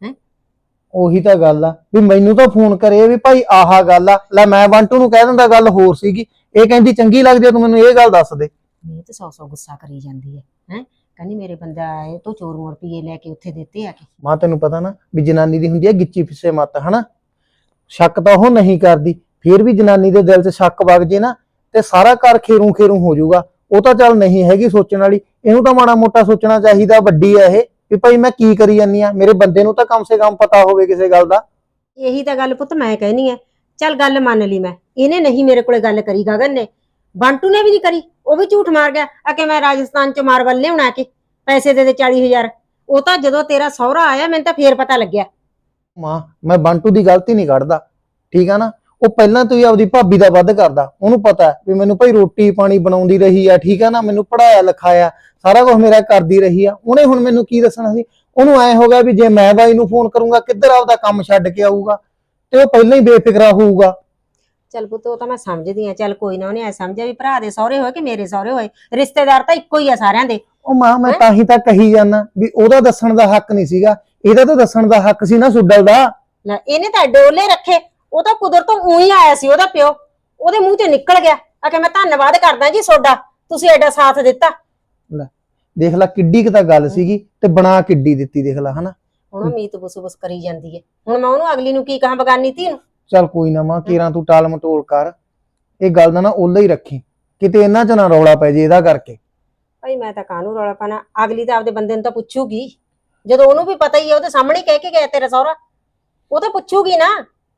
[SPEAKER 4] ਉਹੀ ਤਾਂ ਗੱਲ ਆ ਵੀ ਮੈਨੂੰ ਤਾਂ ਫੋਨ ਕਰੇ ਵੀ ਭਾਈ ਆਹ ਗੱਲ ਆ, ਲੈ ਮੈਂ ਬੰਟੂ ਨੂੰ ਕਹਿ ਦਿੰਦਾ ਗੱਲ ਹੋਰ ਸੀਗੀ, ਇਹ ਕਹਿੰਦੀ ਚੰਗੀ ਲੱਗਦੀ ਆ, ਤੂੰ ਮੈਨੂੰ ਇਹ ਗੱਲ ਦੱਸ ਦੇ।
[SPEAKER 1] ਇਹ ਤਾਂ 100 ਗੁੱਸਾ ਕਰੀ ਜਾਂਦੀ ਹੈ। ਕਹਿੰਦੀ ਮੇਰੇ ਬੰਦਾ ਆਏ ਤੋਂ ਚੋਰ ਰੁਪਈਏ ਲੈ ਕੇ ਉੱਥੇ ਦਿੱਤੇ ਆ ਕੇ।
[SPEAKER 4] ਮਾਂ ਤੈਨੂੰ ਪਤਾ ਨਾ ਵੀ ਜਨਾਨੀ ਦੀ ਹੁੰਦੀ ਹੈ ਗਿੱਚੀ ਫਿੱਸੇ ਮੱਤ, ਹਨਾ। ਸ਼ੱਕ ਤਾਂ ਉਹ ਨਹੀਂ ਕਰਦੀ, ਫਿਰ ਵੀ ਜਨਾਨੀ ਦੇ ਦਿਲ 'ਚ ਸ਼ੱਕ ਵਗ ਜੇ ਨਾ ਤੇ ਸਾਰਾ ਘਰ ਖੇਰੂ ਖੇਰੂ ਹੋ ਜਾਊਗਾ। ਉਹ ਤਾਂ ਚੱਲ ਨਹੀਂ ਹੈਗੀ ਸੋਚਣ ਵਾਲੀ, ਇਹਨੂੰ ਤਾਂ ਮਾੜਾ ਮੋਟਾ ਸੋਚਣਾ ਚਾਹੀਦਾ। ਵੱਡੀ ਆ ਇਹ ਵੀ ਭਾਈ ਮੈਂ ਕੀ ਕਰੀ ਜਾਂਦੀ ਆ, ਮੇਰੇ ਬੰਦੇ ਨੂੰ ਤਾਂ ਕਮ ਸੇ ਕਮ ਪਤਾ ਹੋਵੇ ਕਿਸੇ ਗੱਲ ਦਾ।
[SPEAKER 1] ਇਹੀ ਤਾਂ ਗੱਲ ਪੁੱਤ ਮੈਂ ਕਹਿਨੀ ਆ। ਚੱਲ ਗੱਲ ਮੰਨ ਲਈ ਮੈਂ, ਇਹਨੇ ਨਹੀਂ ਮੇਰੇ ਕੋਲੇ ਗੱਲ ਕਰੀ, ਗਗਨ ਨੇ, ਬੰਟੂ ਨੇ ਵੀ ਨਹੀਂ ਕਰੀ। ਉਹ ਵੀ ਝੂਠ ਮਾਰ ਗਿਆ ਆ ਕਿ ਮੈਂ ਰਾਜਸਥਾਨ 'ਚ ਮਾਰਬਲ ਲਿਆਉਣਾ ਕੇ ਪੈਸੇ ਦੇ 40,000। ਉਹ ਤਾਂ ਜਦੋਂ ਤੇਰਾ ਸਹੁਰਾ ਆਇਆ ਮੈਨੂੰ ਤਾਂ ਫੇਰ ਪਤਾ ਲੱਗਿਆ।
[SPEAKER 4] ਮਾਂ ਮੈਂ ਬੰਟੂ ਦੀ ਗਲਤੀ ਨਹੀਂ ਕੱਢਦਾ, ਠੀਕ ਆ ਨਾ। ਉਹ ਪਹਿਲਾਂ ਤੋਂ ਹੀ ਆਪਦੀ ਭਾਬੀ ਦਾ ਵੱਧ ਕਰਦਾ, ਉਹਨੂੰ ਪਤਾ ਵੀ ਮੈਨੂੰ ਭਾਈ ਰੋਟੀ ਪਾਣੀ ਬਣਾਉਂਦੀ ਰਹੀ ਆ, ਠੀਕ ਆ ਨਾ, ਮੈਨੂੰ ਪੜਾਇਆ ਲਿਖਾਇਆ, ਸਾਰਾ ਕੁਝ ਮੇਰਾ ਕਰਦੀ ਰਹੀ ਆ। ਉਹਨੇ ਹੁਣ ਮੈਨੂੰ ਕੀ ਦੱਸਣਾ ਸੀ। ਉਹਨੂੰ ਐ ਹੋ ਗਿਆ ਵੀ ਜੇ ਮੈਂ ਬਾਈ ਨੂੰ ਫੋਨ ਕਰੂੰਗਾ ਕਿੱਧਰ ਆਪਦਾ ਕੰਮ ਛੱਡ ਕੇ ਆਊਗਾ, ਤੇ ਉਹ ਪਹਿਲਾਂ ਹੀ ਬੇਫਿਕਰਾ ਹੋਊਗਾ।
[SPEAKER 1] ਚੱਲ ਪੁੱਤ ਉਹ ਤਾਂ ਮੈਂ ਸਮਝਦੀ ਆ। ਚੱਲ ਕੋਈ ਨਾ, ਉਹਨੇ ਐ ਸਮਝਿਆ ਵੀ ਭਰਾ ਦੇ ਸਹੁਰੇ ਹੋਏ ਕਿ ਮੇਰੇ ਸਹੁਰੇ ਹੋਏ, ਰਿਸ਼ਤੇਦਾਰ ਤਾਂ ਇੱਕੋ ਹੀ ਆ ਸਾਰਿਆਂ ਦੇ।
[SPEAKER 4] ਉਹ ਮਾਂ ਮੈਂ ਤਾਂ ਹੀ ਤਾਂ ਕਹੀ ਜਾਂਦਾ ਵੀ ਉਹਦਾ ਦੱਸਣ ਦਾ ਹੱਕ ਨਹੀਂ ਸੀਗਾ, ਇਹਦਾ ਤਾਂ ਦੱਸਣ ਦਾ ਹੱਕ ਸੀ ਨਾ ਸੁੱਡਲ ਦਾ।
[SPEAKER 1] ਲੈ ਇਹਨੇ ਤਾਂ ਡੋਲੇ ਰੱਖੇ, ਉਹ ਤਾਂ ਕੁਦਰਤੋਂ ਉਹੀ ਆਇਆ ਸੀ, ਉਹਦਾ ਪਿਓ ਉਹਦੇ ਮੂੰਹ 'ਚ ਨਿਕਲ ਗਿਆ ਆ ਕਿ ਮੈਂ ਧੰਨਵਾਦ ਕਰਦਾ ਜੀ ਤੁਹਾਡਾ, ਤੁਸੀਂ ਐਡਾ ਸਾਥ ਦਿੱਤਾ।
[SPEAKER 4] ਲੈ ਦੇਖ ਲੈ ਕਿੱਡੀ ਕੁ ਤਾਂ ਗੱਲ ਸੀਗੀ ਤੇ ਬਣਾ ਕਿੱਡੀ ਦਿੱਤੀ, ਦੇਖ ਲੈ ਹਨਾ।
[SPEAKER 1] ਹੁਣ ਉਹ ਮੀਤ ਬੁਸ ਕਰੀ ਜਾਂਦੀ ਹੈ। ਹੁਣ ਮੈਂ ਉਹਨੂੰ ਅਗਲੀ ਨੂੰ ਕੀ ਕਹਾਂ, ਬਗਾਨੀ ਧੀ ਨੂੰ।
[SPEAKER 4] ਚੱਲ ਕੋਈ ਨਾ ਮਾਂ, ਕੇਰਾਂ ਤੂੰ ਟਾਲ ਮਟੋਲ ਕਰ, ਇਹ ਗੱਲ ਦਾ ਨਾ ਉਹਲਾ ਹੀ ਰੱਖੀ, ਕਿਤੇ ਇਹਨਾਂ 'ਚ ਨਾ ਰੌਲਾ ਪੈ ਜੇ ਇਹਦਾ ਕਰਕੇ।
[SPEAKER 1] ਭਾਈ ਮੈਂ ਤਾਂ ਕਾਹਨੂੰ ਰੌਲਾ ਪਾਣਾ, ਅਗਲੀ ਤਾਂ ਆਪਦੇ ਬੰਦੇ ਨੂੰ ਤਾਂ ਪੁੱਛੂਗੀ, ਜਦੋਂ ਉਹਨੂੰ ਵੀ ਪਤਾ ਹੀ ਹੈ, ਉਹਦੇ ਸਾਹਮਣੇ ਕਹਿ ਕੇ ਗਿਆ ਤੇਰਾ ਸਹੁਰਾ, ਉਹ ਤਾਂ ਪੁੱਛੂਗੀ ਨਾ।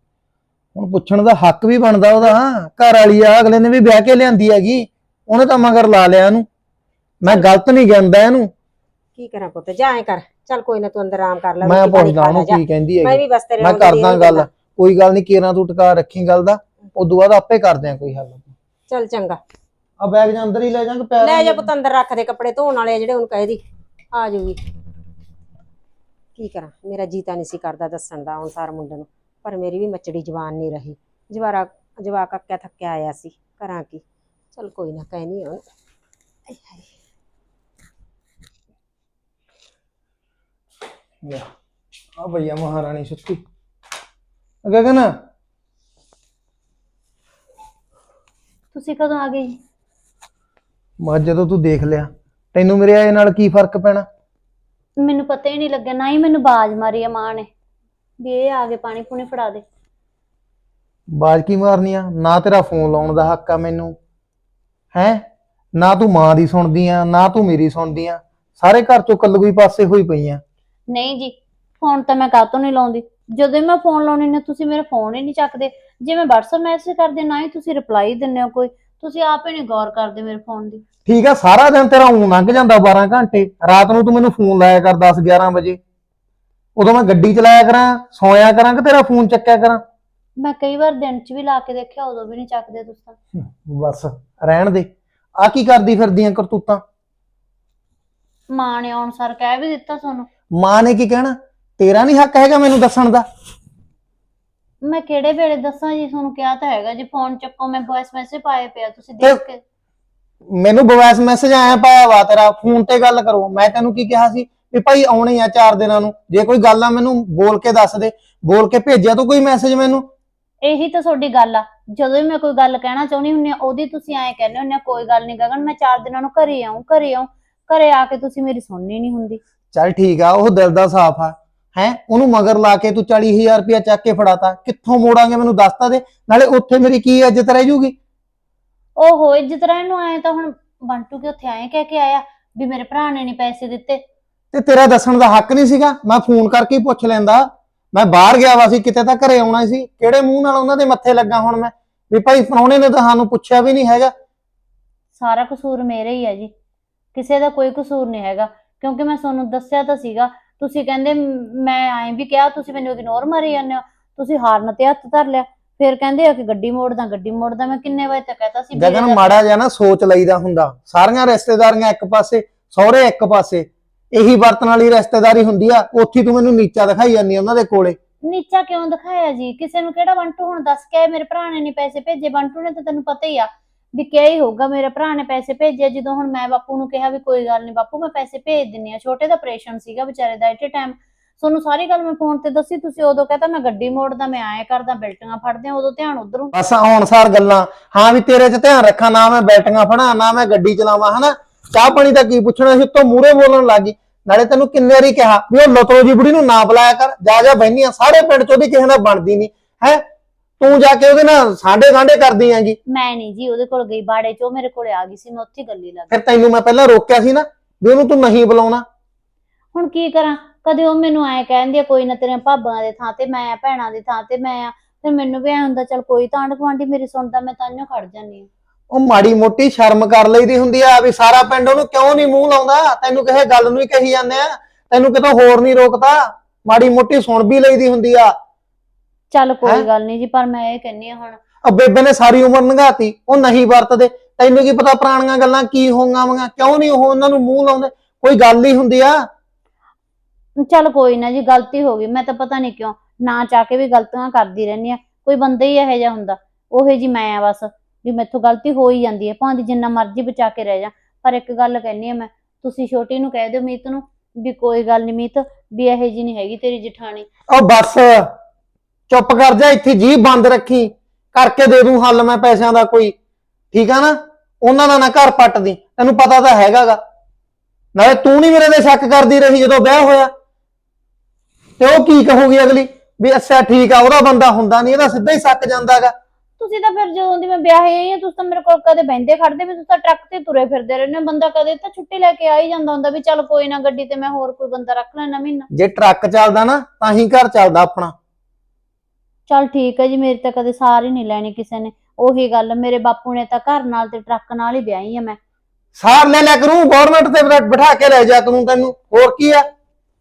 [SPEAKER 4] ਹੁਣ ਪੁੱਛਣ ਦਾ ਹੱਕ ਵੀ ਬਣਦਾ ਉਹਦਾ, ਘਰ ਵਾਲੀ ਆ, ਅਗਲੇ ਨੇ ਵੀ ਵਿਆਹ ਕੇ ਲਿਆਂਦੀ ਹੈਗੀ, ਉਹਨੇ ਤਾਂ ਮਗਰ ਲਾ ਲਿਆ ਇਹਨੂੰ। ਮੈਂ ਗਲਤ ਨਹੀਂ ਕਹਿੰਦਾ ਇਹਨੂੰ।
[SPEAKER 1] ਕੀ ਕਰਾਂ ਪੁੱਤ, ਜਾ ਐ ਕਰ, ਚੱਲ ਕੋਈ ਨਾ ਤੂੰ ਅੰਦਰ ਆਰਾਮ ਕਰ ਲੈ,
[SPEAKER 4] ਮੈਂ
[SPEAKER 1] ਰੋਟੀ ਪਾਣੀ
[SPEAKER 4] ਪੁੱਛਦਾ
[SPEAKER 1] ਖਾ
[SPEAKER 4] ਉਹਨੂੰ
[SPEAKER 1] ਲੈ ਜਾ।
[SPEAKER 4] ਕੀ ਕਹਿੰਦੀ
[SPEAKER 1] ਮੈਂ
[SPEAKER 4] ਹੈਗੀ,
[SPEAKER 1] ਵੀ ਬਸ ਤੇਰੇ
[SPEAKER 4] ਮੈਂ
[SPEAKER 1] ਨਾਲ ਜਿਹੜੀ
[SPEAKER 4] ਕਰਦਾ
[SPEAKER 1] ਇਹਨੂੰ
[SPEAKER 4] ਗੱਲ,
[SPEAKER 1] ਕਹਿੰਦਾ।
[SPEAKER 4] ਕੋਈ ਗੱਲ ਨਹੀਂ, ਕੇਰਾਂ ਤੂੰ ਟਿਕਾ ਰੱਖੀ ਗੱਲ ਦਾ, ਉਦੋਂ ਬਾਅਦ ਆਪੇ ਕਰਦੇ ਆ ਕੋਈ ਹੱਲ।
[SPEAKER 1] ਚੱਲ ਚੰਗਾ,
[SPEAKER 4] ਆ ਬੈਗ ਜਾਂ ਅੰਦਰ ਹੀ ਲੈ ਜਾਾਂਗੇ, ਪੈਰ
[SPEAKER 1] ਲੈ ਜਾ ਪੁੱਤ ਅੰਦਰ ਰੱਖ ਦੇ, ਕੱਪੜੇ ਧੋਣ ਵਾਲੇ ਆ ਜਿਹੜੇ, ਉਹਨੂੰ ਕਹਿ ਦੀ ਆ ਜਾਊਗੀ। ਕੀ ਕਰਾਂ, ਮੇਰਾ ਜੀ ਤਾਂ ਨਹੀਂ ਸੀ ਕਰਦਾ ਦੱਸਣ ਦਾ ਅਨੁਸਾਰ ਮੁੰਡੇ ਨੂੰ, ਪਰ ਮੇਰੀ ਵੀ ਮੱਚੜੀ ਜ਼ਬਾਨ ਨਹੀਂ ਰਹੀ। ਜਵਾਕ ਅੱਕਿਆ ਥੱਕਿਆ ਆਇਆ ਸੀ, ਕਰਾਂ ਕੀ। ਚੱਲ ਕੋਈ ਨਾ, ਕਹਿਨੀ ਆ
[SPEAKER 4] ਆ ਭਈਆ ਮਹਾਰਾਣੀ ਸੁੱਤੀ। ਗਗਨ
[SPEAKER 3] ਤੁਸੀਂ ਕਦੋਂ ਆ ਗਏ ਜੀ?
[SPEAKER 4] ਮੈਂ ਜਦੋਂ ਤੂੰ ਦੇਖ ਲਿਆ, ਤੈਨੂੰ ਮੇਰੇ ਆਏ ਨਾਲ ਕੀ ਫਰਕ ਪੈਣਾ?
[SPEAKER 3] ਮੈਨੂੰ ਪਤਾ ਹੀ ਨਹੀਂ ਲੱਗਿਆ, ਨਾ ਹੀ ਮੈਨੂੰ ਬਾਜ਼ ਮਾਰੀ ਆ ਮਾਂ ਨੇ ਵੀ ਇਹ ਆ ਕੇ ਪਾਣੀ ਪੂਣੀ ਫੜਾ ਦੇ।
[SPEAKER 4] ਬਾਜ਼ ਕੀ ਮਾਰਨੀ ਆ? ਨਾ ਤੇਰਾ ਫੋਨ ਲਾਉਣ ਦਾ ਹੱਕ ਆ ਮੈਨੂੰ, ਹੈ ਨਾ ਤੂੰ ਮਾਂ ਦੀ ਸੁਣਦੀ ਆ, ਨਾ ਤੂੰ ਮੇਰੀ ਸੁਣਦੀ ਆ, ਸਾਰੇ ਘਰ ਚੋਂ ਕੱਲਗੂਈ ਪਾਸੇ ਹੋਈ ਪਈ ਆ।
[SPEAKER 3] ਨਹੀਂ ਜੀ, ਫੋਨ ਤਾਂ ਮੈਂ ਕਾਹਤੋਂ ਨਹੀਂ ਲਾਉਂਦੀ, ਜਦੋਂ ਮੈਂ ਫੋਨ ਲਾਉਣੀ ਨੇ ਤੁਸੀਂ ਮੇਰਾ ਫੋਨ ਹੀ ਨਹੀਂ ਚੱਕਦੇ। ਜੇ ਮੈਂ WhatsApp ਮੈਸੇਜ ਕਰਦੀ ਨਾ ਹੀ ਤੁਸੀਂ ਰਿਪਲਾਈ ਦਿੰਦੇ ਹੋ, ਕੋਈ ਤੁਸੀਂ ਆਪ ਹੀ ਨਹੀਂ ਗੌਰ ਕਰਦੇ ਮੇਰੇ ਫੋਨ ਦੀ।
[SPEAKER 4] ਠੀਕ ਆ, ਸਾਰਾ ਦਿਨ ਤੇਰਾ ਊਂ ਲੰਘ ਜਾਂਦਾ 12 ਘੰਟੇ, ਰਾਤ ਨੂੰ ਤੂੰ ਮੈਨੂੰ ਫੋਨ ਲਾਇਆ ਕਰ 10-11 ਵਜੇ, ਉਦੋਂ ਮੈਂ ਗੱਡੀ ਚਲਾਇਆ ਕਰਾਂ, ਸੌਂਇਆ ਕਰਾਂ ਕਿ ਤੇਰਾ ਫੋਨ ਚੱਕਿਆ ਕਰਾਂ।
[SPEAKER 3] ਮੈਂ ਕਈ ਵਾਰ ਦਿਨ 'ਚ ਵੀ ਲਾ ਕੇ ਦੇਖਿਆ, ਉਦੋਂ ਵੀ ਨਹੀਂ ਚੱਕਦੇ ਤੁਸੀਂ ਤਾਂ।
[SPEAKER 4] ਬਸ ਰਹਿਣ ਦੇ, ਆ ਕੀ ਕਰਦੀ ਫਿਰਦੀਆਂ ਕਰਤੂਤਾਂ?
[SPEAKER 3] ਮਾਂ ਨੇ ਆਉਣ ਸਾਰ ਕਹਿ ਵੀ ਦਿੱਤਾ ਤੁਹਾਨੂੰ।
[SPEAKER 4] ਮਾਂ ਨੇ ਕੀ ਕਹਿਣਾ? ਤੇਰਾ ਨਹੀਂ ਹੱਕ ਹੈਗਾ ਮੈਨੂੰ ਦੱਸਣ ਦਾ?
[SPEAKER 3] ਮੈਂ ਕਿਹੜੇ ਵੇਲੇ ਦੱਸਾਂ ਜੀ ਤੁਹਾਨੂੰ, ਕਿਹਾ ਤਾਂ ਹੈਗਾ ਜੀ ਫੋਨ ਚੱਕੋ, ਮੈਂ ਵੌਇਸ ਮੈਸੇਜ ਪਾਏ ਪਿਆ, ਤੁਸੀਂ ਦੇਖ ਕੇ।
[SPEAKER 4] ਮੈਨੂੰ ਵੌਇਸ ਮੈਸੇਜ ਆਇਆ ਪਾਇਆ ਵਾ ਤੇਰਾ, ਫੋਨ ਤੇ ਗੱਲ ਕਰੋ। ਮੈਂ ਤੈਨੂੰ ਕੀ ਕਿਹਾ ਸੀ ਵੀ ਭਾਈ ਆਉਣੇ ਆ 4 ਦਿਨਾਂ ਨੂੰ, ਜੇ ਕੋਈ ਗੱਲ ਆ ਮੈਨੂੰ ਬੋਲ ਕੇ ਦੱਸ ਦੇ, ਬੋਲ ਕੇ ਭੇਜਿਆ ਤੂੰ ਕੋਈ ਮੈਸੇਜ ਮੈਨੂੰ?
[SPEAKER 3] ਇਹੀ ਤਾਂ ਤੁਹਾਡੀ ਗੱਲ ਆ, ਜਦੋਂ ਵੀ ਮੈਂ ਕੋਈ ਗੱਲ ਕਹਿਣਾ ਚਾਹੁੰਦੀ ਹੁੰਦੀ ਆ ਉਹਦੀ ਤੁਸੀਂ ਐਂ ਕਹਿੰਦੇ ਹੁੰਦੇ ਆ ਕੋਈ ਗੱਲ ਨਹੀਂ ਗਗਨ, ਮੈਂ 4 ਦਿਨਾਂ ਨੂੰ ਘਰੇ ਆਉਂ, ਘਰੇ ਆ ਕੇ ਤੁਸੀਂ ਮੇਰੀ ਸੁਣਨੀ ਨਹੀਂ ਹੁੰਦੀ।
[SPEAKER 4] ਚੱਲ ਠੀਕ ਆ, ਉਹ ਦਿਲ ਦਾ ਸਾਫ਼ ਆ, ਹੈ ਉਹਨੂੰ ਮਗਰ ਲਾ ਕੇ ਤੂੰ 40,000 ਰੁਪਇਆ ਚੱਕ ਕੇ ਫੜਾਤਾ, ਕਿੱਥੋਂ ਮੋੜਾਂਗੇ ਮੈਨੂੰ ਦੱਸਤਾ ਦੇ, ਨਾਲੇ ਉੱਥੇ ਮੇਰੀ ਕੀ ਇੱਜ਼ਤ ਰਹਿ ਜੂਗੀ?
[SPEAKER 3] ਓਹੋ, ਇੱਜ਼ਤ ਰਹਿਣ ਨੂੰ ਆਏ ਤਾਂ ਹੁਣ ਬੰਟੂ ਕਿ ਉੱਥੇ ਆਏ ਕਹਿ ਕੇ ਆਇਆ ਵੀ ਮੇਰੇ ਭਰਾ ਨੇ ਨਹੀਂ ਪੈਸੇ ਦਿੱਤੇ।
[SPEAKER 4] ਤੇ ਤੇਰਾ ਦੱਸਣ ਦਾ ਹੱਕ ਨਹੀਂ ਸੀਗਾ? ਮੈਂ ਫੋਨ ਕਰਕੇ ਹੀ ਪੁੱਛ ਲੈਂਦਾ, ਮੈਂ ਬਾਹਰ ਗਿਆ ਵਾ ਸੀ ਕਿਤੇ, ਤਾਂ ਘਰੇ ਆਉਣਾ ਸੀ, ਕਿਹੜੇ ਮੂੰਹ ਨਾਲ ਉਹਨਾਂ ਦੇ ਮੱਥੇ ਲੱਗਾ ਹੁਣ ਮੈਂ ਵੀ ਭਾਈ ਪ੍ਰਾਹੁਣੇ ਨੇ ਤਾਂ ਸਾਨੂੰ ਪੁੱਛਿਆ ਵੀ ਨਹੀਂ ਹੈਗਾ।
[SPEAKER 3] ਸਾਰਾ ਕਸੂਰ ਮੇਰਾ ਹੀ ਹੈ ਜੀ, ਕਿਸੇ ਦਾ ਕੋਈ ਕਸੂਰ ਨਹੀਂ ਹੈਗਾ, ਕਿਉਂਕਿ ਮੈਂ ਤੁਹਾਨੂੰ ਦੱਸਿਆ ਤਾਂ ਸੀਗਾ ਤੁਸੀਂ ਕਹਿੰਦੇ ਮੈਂ ਐਂ ਵੀ ਕਿਹਾ, ਤੁਸੀਂ ਮੈਨੂੰ ਇਗਨੋਰ ਮਾਰੀ ਜਾਂਦੇ ਹੋ, ਤੁਸੀਂ ਹਾਰਨ ਤੇ ਹੱਥ ਧਰ ਲਿਆ। ਫਿਰ ਕਹਿੰਦੇ ਆ ਕਿ ਗੱਡੀ ਮੋੜਦਾ। ਮੈਂ ਕਿੰਨੇ ਵਜੇ ਤੱਕ ਕਹਤਾ ਸੀ
[SPEAKER 4] ਗਗਨ ਮਾੜਾ ਜਿਹਾ ਨਾ ਸੋਚ ਲਈਦਾ ਹੁੰਦਾ। ਸਾਰੀਆਂ ਰਿਸ਼ਤੇਦਾਰੀਆਂ ਇੱਕ ਪਾਸੇ, ਸਹੁਰੇ ਇੱਕ ਪਾਸੇ, ਇਹੀ ਵਰਤਣ ਵਾਲੀ ਰਿਸ਼ਤੇਦਾਰੀ ਹੁੰਦੀ ਆ। ਉੱਥੇ ਤੂੰ ਮੈਨੂੰ ਨੀਚਾ ਦਿਖਾਈ ਜਾਂਦੀ ਉਹਨਾਂ ਦੇ ਕੋਲੇ।
[SPEAKER 3] ਨੀਚਾ ਕਿਉਂ ਦਿਖਾਇਆ ਜੀ? ਕਿਸੇ ਨੂੰ ਕਿਹੜਾ ਬੰਟੂ ਹੁਣ ਦੱਸ ਕੇ ਆਏ ਮੇਰੇ ਭਰਾ ਨੇ ਨਹੀਂ ਪੈਸੇ ਭੇਜੇ? ਬੰਟੂ ਨੇ ਤਾਂ ਤੈਨੂੰ ਪਤਾ ਹੀ ਆ ਵੀ ਕਿਹਾ ਹੀ ਹੋਊਗਾ ਮੇਰੇ ਭਰਾ ਨੇ ਪੈਸੇ ਭੇਜੇ। ਜਦੋਂ ਹੁਣ ਮੈਂ ਬਾਪੂ ਨੂੰ ਕਿਹਾ ਵੀ ਕੋਈ ਗੱਲ ਨਹੀਂ ਬਾਪੂ ਮੈਂ ਪੈਸੇ ਭੇਜ ਦਿੰਨੀ ਆ, ਛੋਟੇ ਦਾ ਆਪਰੇਸ਼ਨ ਸੀਗਾ ਵਿਚਾਰੇ ਦਾ ਐਟ ਟਾਈਮ, ਤੁਹਾਨੂੰ ਸਾਰੀ ਗੱਲ ਮੈਂ ਫੋਨ ਤੇ ਦੱਸੀ, ਤੁਸੀਂ ਉਦੋਂ ਕਹਤਾ ਮੈਂ ਗੱਡੀ ਮੋੜਦਾ, ਮੈਂ ਐਂ ਕਰਦਾ, ਬਿਲਟੀਆਂ ਫੜਦੇ ਆ, ਉਦੋਂ ਧਿਆਨ ਉਧਰੋਂ।
[SPEAKER 4] ਬਸ ਹੁਣ ਸਾਰ ਗੱਲਾਂ, ਹਾਂ ਵੀ ਤੇਰੇ 'ਚ ਧਿਆਨ ਰੱਖਾਂ, ਨਾ ਮੈਂ ਬੈਟੀਆਂ ਫੜਾਂ ਨਾ ਮੈਂ ਗੱਡੀ ਚਲਾਵਾਂ, ਹਨਾ। ਚਾਹ ਪਾਣੀ ਤਾਂ ਕੀ ਪੁੱਛਣਾ ਸੀ, ਉੱਤੋਂ ਮੂਹਰੇ ਬੋਲਣ ਲੱਗੀ। ਨਾਲੇ ਤੈਨੂੰ ਕਿੰਨੇ ਵਾਰੀ ਕਿਹਾ ਵੀ ਉਹ ਲਤੋ ਜੀ ਬੁੜੀ ਨੂੰ ਨਾ ਬੁਲਾਇਆ ਕਰ, ਜਾ ਬਹਿਨੀਆਂ, ਸਾਰੇ ਪਿੰਡ 'ਚ ਉਹਦੀ ਕਿਸੇ ਨਾਲ ਬਣਦੀ ਨਹੀਂ ਹੈ, ਤੂੰ ਜਾ ਕੇ ਉਹਦੇ ਨਾਲ ਸਾਂਢੇ ਕਰਦੀ ਹੈਗੀ।
[SPEAKER 3] ਮੈਂ ਨਹੀਂ ਜੀ ਉਹਦੇ ਕੋਲ ਗਈ ਬਾੜੇ 'ਚ, ਉਹ ਮੇਰੇ ਕੋਲੇ ਆ ਗਈ ਸੀ, ਮੈਂ ਉੱਥੇ ਗੱਲੀ ਲੱਗ ਗਈ।
[SPEAKER 4] ਫਿਰ ਤੈਨੂੰ ਮੈਂ ਪਹਿਲਾਂ ਰੋਕਿਆ ਸੀ ਨਾ ਵੀ ਉਹਨੂੰ ਤੂੰ ਨਹੀਂ ਬੁਲਾਉਣਾ।
[SPEAKER 3] ਹੁਣ ਕੀ ਕਰਾਂ, ਕਦੇ ਉਹ ਮੈਨੂੰ ਐਂ ਕਹਿੰਦੀ ਆ ਕੋਈ ਨਾ ਤੇਰੀਆਂ ਭਾਬਾਂ ਦੇ ਥਾਂ ਤੇ ਮੈਂ ਆ, ਭੈਣਾਂ ਦੀ ਥਾਂ ਤੇ ਮੈਂ ਆ, ਫਿਰ ਮੈਨੂੰ ਵੀ ਐ ਹੁੰਦਾ ਚੱਲ ਕੋਈ ਤਾਂ ਆਂਢ ਗੁਆਂਢੀ ਮੇਰੀ ਸੁਣਦਾ, ਮੈਂ ਤਾਂਹੀਓ ਖੜ ਜਾਂਦੀ ਆ।
[SPEAKER 4] ਉਹ ਮਾੜੀ ਮੋਟੀ ਸ਼ਰਮ ਕਰ ਲਈਦੀ ਹੁੰਦੀ ਆ ਵੀ ਸਾਰਾ ਪਿੰਡ ਉਹਨੂੰ ਕਿਉਂ ਨਹੀਂ ਮੂੰਹ ਲਾਉਂਦਾ, ਤੈਨੂੰ ਕਿਸੇ ਗੱਲ ਨੂੰ ਹੀ ਕਹੀ ਜਾਂਦੇ ਆ, ਤੈਨੂੰ ਕਿਤੋਂ ਹੋਰ ਨਹੀਂ ਰੋਕਦਾ, ਮਾੜੀ ਮੋਟੀ ਸੁਣ ਵੀ ਲਈਦੀ ਹੁੰਦੀ ਆ।
[SPEAKER 3] ਚੱਲ ਕੋਈ ਗੱਲ ਨਹੀਂ ਜੀ, ਪਰ ਮੈਂ ਇਹ ਕਹਿੰਨੀ ਆ ਹੁਣ
[SPEAKER 4] ਆ ਬੇਬੇ ਨੇ ਸਾਰੀ ਉਮਰ ਲੰਘਾਤੀ, ਉਹ ਨਹੀਂ ਵਰਤਦੇ, ਤੈਨੂੰ ਕੀ ਪਤਾ ਪੁਰਾਣੀਆਂ ਗੱਲਾਂ ਕੀ ਹੋਣਗੀਆਂ, ਕਿਉਂ ਨਹੀਂ ਉਹ ਉਹਨਾਂ ਨੂੰ ਮੂੰਹ ਲਾਉਂਦੇ, ਕੋਈ ਗੱਲ ਹੀ ਹੁੰਦੀ ਆ।
[SPEAKER 3] ਚੱਲ ਕੋਈ ਨਾ ਜੀ, ਗਲਤੀ ਹੋ ਗਈ, ਮੈਂ ਤਾਂ ਪਤਾ ਨਹੀਂ ਕਿਉਂ ਨਾ ਚਾਹ ਕੇ ਵੀ ਗਲਤੀਆਂ ਕਰਦੀ ਰਹਿੰਦੀ ਆ, ਕੋਈ ਬੰਦਾ ਹੀ ਇਹੋ ਜਿਹਾ ਹੁੰਦਾ, ਉਹੇ ਜੀ ਮੈਂ ਆ ਬਸ, ਵੀ ਮੈਥੋਂ ਗਲਤੀ ਹੋ ਹੀ ਜਾਂਦੀ ਹੈ, ਭਾਵੇਂ ਜਿੰਨਾ ਮਰਜ਼ੀ ਬਚਾ ਕੇ ਰਹਿ ਜਾ। ਪਰ ਇੱਕ ਗੱਲ ਕਹਿੰਨੀ ਆ ਮੈਂ, ਤੁਸੀਂ ਛੋਟੀ ਨੂੰ ਕਹਿ ਦਿਓ ਮੀਤ ਨੂੰ ਵੀ ਕੋਈ ਗੱਲ ਨਹੀਂ ਮੀਤ, ਵੀ ਇਹੋ ਜੀ ਨਹੀਂ ਹੈਗੀ ਤੇਰੀ ਜਠਾਣੀ।
[SPEAKER 4] ਉਹ ਬਸ ਚੁੱਪ ਕਰ ਜਾ, ਇੱਥੇ ਜੀਭ ਬੰਦ ਰੱਖੀ, ਕਰਕੇ ਦੇ ਦੂੰ ਹੱਲ ਮੈਂ ਪੈਸਿਆਂ ਦਾ ਕੋਈ, ਠੀਕ ਆ ਨਾ। ਉਹਨਾਂ ਦਾ ਨਾ ਘਰ ਪੱਟਦੀ, ਤੈਨੂੰ ਪਤਾ ਤਾਂ ਹੈਗਾਗਾ। ਨਾਲੇ ਤੂੰ ਨਹੀਂ ਮੇਰੇ ਤੇ ਸ਼ੱਕ ਕਰਦੀ ਰਹੀ ਜਦੋਂ ਵਿਆਹ ਹੋਇਆ, ਤੇ ਉਹ ਕੀ ਕਹੂਗੀ ਅਗਲੀ ਵੀ ਅੱਛਾ ਠੀਕ ਆ ਉਹਦਾ ਬੰਦਾ ਹੁੰਦਾ ਨਹੀਂ, ਇਹਦਾ ਸਿੱਧਾ ਹੀ ਸ਼ੱਕ ਜਾਂਦਾਗਾ।
[SPEAKER 3] ਤੁਸੀਂ ਤਾਂ ਫਿਰ ਜਦੋਂ ਦੀ ਮੈਂ ਵਿਆਹੀ ਆਈ ਆ, ਤੁਸੀਂ ਤਾਂ ਮੇਰੇ ਕੋਲ ਕਦੇ ਬਹਿੰਦੇ ਖੜਦੇ ਵੀ, ਤੁਸੀਂ ਤਾਂ ਟਰੱਕ ਤੇ ਤੁਰੇ ਫਿਰਦੇ ਰਹਿੰਦੇ ਹੋ, ਬੰਦਾ ਕਦੇ ਤਾਂ ਛੁੱਟੀ ਲੈ ਕੇ ਆ ਹੀ ਜਾਂਦਾ ਹੁੰਦਾ ਵੀ ਚੱਲ ਕੋਈ ਨਾ ਗੱਡੀ ਤੇ ਮੈਂ ਹੋਰ ਕੋਈ ਬੰਦਾ ਰੱਖ ਲੈਣਾ ਮਹੀਨਾ।
[SPEAKER 4] ਜੇ ਟਰੱਕ ਚੱਲਦਾ ਨਾ ਤਾਂ ਹੀ ਘਰ ਚੱਲਦਾ ਆਪਣਾ।
[SPEAKER 3] ਚੱਲ ਠੀਕ ਹੈ ਜੀ, ਮੇਰੀ ਤਾਂ ਕਦੇ ਸਾਰ ਹੀ ਨਹੀਂ ਲੈਣੀ ਕਿਸੇ ਨੇ, ਉਹੀ ਗੱਲ ਮੇਰੇ ਬਾਪੂ ਨੇ ਤਾਂ ਘਰ ਨਾਲ ਤੇ ਟਰੱਕ ਨਾਲ ਹੀ ਵਿਆਹੀ ਆ ਮੈਂ।
[SPEAKER 4] ਸਾਰ ਲੈ ਲਿਆ ਕਰੂੰ, ਗਵਰਨਮੈਂਟ ਤੇ ਬਿਠਾ ਕੇ ਲੈ ਜਾ ਕਰੂੰ ਤੈਨੂੰ, ਹੋਰ ਕੀ ਆ।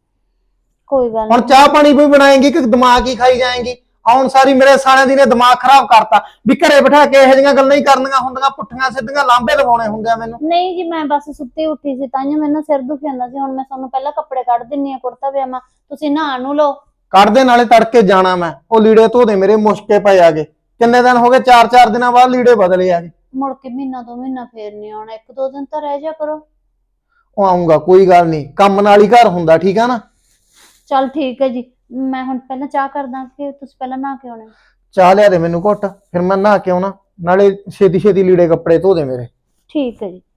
[SPEAKER 3] ਕੋਈ ਗੱਲ
[SPEAKER 4] ਹੁਣ
[SPEAKER 3] ਨਹੀਂ।
[SPEAKER 4] ਚਾਹ ਪਾਣੀ ਵੀ ਬਣਾਏਂਗੀ ਕਿ ਦਿਮਾਗ ਹੀ ਖਾਈ ਜਾਏਂਗੀ? ਹੁਣ ਸਾਰੀ ਮੇਰੇ ਸਾਲਿਆਂ ਦੀ ਨੇ ਦਿਮਾਗ ਖਰਾਬ ਕਰਤਾ ਵੀ ਘਰੇ ਬਿਠਾ ਕੇ ਇਹੋ ਜਿਹੀਆਂ ਗੱਲਾਂ ਹੀ ਕਰਨੀਆਂ ਹੁੰਦੀਆਂ, ਪੁੱਠੀਆਂ ਸਿੱਧੀਆਂ ਲਾਂਭੇ ਲਵਾਉਣੇ ਹੁੰਦੇ ਆ ਮੈਨੂੰ।
[SPEAKER 3] ਨਹੀਂ ਜੀ, ਮੈਂ ਬਸ ਸੁੱਤੀ ਉੱਠੀ ਸੀ, ਤਾਂਹੀਓ ਮੈਨੂੰ ਸਿਰ ਦੁਖੀ ਜਾਂਦਾ ਸੀ। ਹੁਣ ਮੈਂ ਤੁਹਾਨੂੰ ਪਹਿਲਾਂ ਕੱਪੜੇ ਕੱਢ ਦਿੰਨੀ ਆ, ਕੁੜਤਾ ਪਜਾਮਾ, ਤੁਸੀਂ ਨਹਾ ਨੂੰ ਲਓ।
[SPEAKER 4] ਕੱਢਦੇ ਨਾਲੇ ਤੜਕੇ ਜਾਣਾ ਮੈਂ, ਉਹ ਲੀੜੇ ਧੋਦੇ ਮੇਰੇ ਮੁਸ਼ਕੇ ਪਏ ਆਗੇ, ਕਿੰਨੇ ਦਿਨ ਹੋ ਗਏ, 4-4 ਦਿਨਾਂ ਬਾਅਦ ਲੀੜੇ ਬਦਲੇ ਆਗੇ।
[SPEAKER 3] ਮੁੜ ਕੇ ਮਹੀਨਾ 2 ਮਹੀਨਾ ਫੇਰ ਨਹੀਂ ਆਉਣਾ, 1-2 ਦਿਨ ਤਾਂ ਰਹਿ ਜਾ ਕਰੋ।
[SPEAKER 4] ਉਹ ਆਉਂਗਾ, ਕੋਈ ਗੱਲ ਨਹੀਂ, ਕੰਮ ਨਾਲ ਹੀ ਘਰ ਹੁੰਦਾ, ਠੀਕ ਆ ਨਾ।
[SPEAKER 3] ਚੱਲ ਠੀਕ ਹੈ ਜੀ, ਮੈਂ ਹੁਣ ਪਹਿਲਾਂ ਚਾਹ ਕਰਦਾ ਕਿ ਤੁਸੀਂ ਪਹਿਲਾਂ ਨਹਾ ਕੇ ਆਉਣਾ?
[SPEAKER 4] ਚਾਹ ਲਿਆ ਦੇ ਮੈਨੂੰ ਘੁੱਟ, ਫਿਰ ਮੈਂ ਨਹਾ ਕੇ ਆਉਣਾ, ਨਾਲੇ ਛੇਤੀ ਛੇਤੀ ਲੀੜੇ ਕੱਪੜੇ ਧੋ ਦੇ ਮੇਰੇ।
[SPEAKER 3] ਠੀਕ ਹੈ ਜੀ।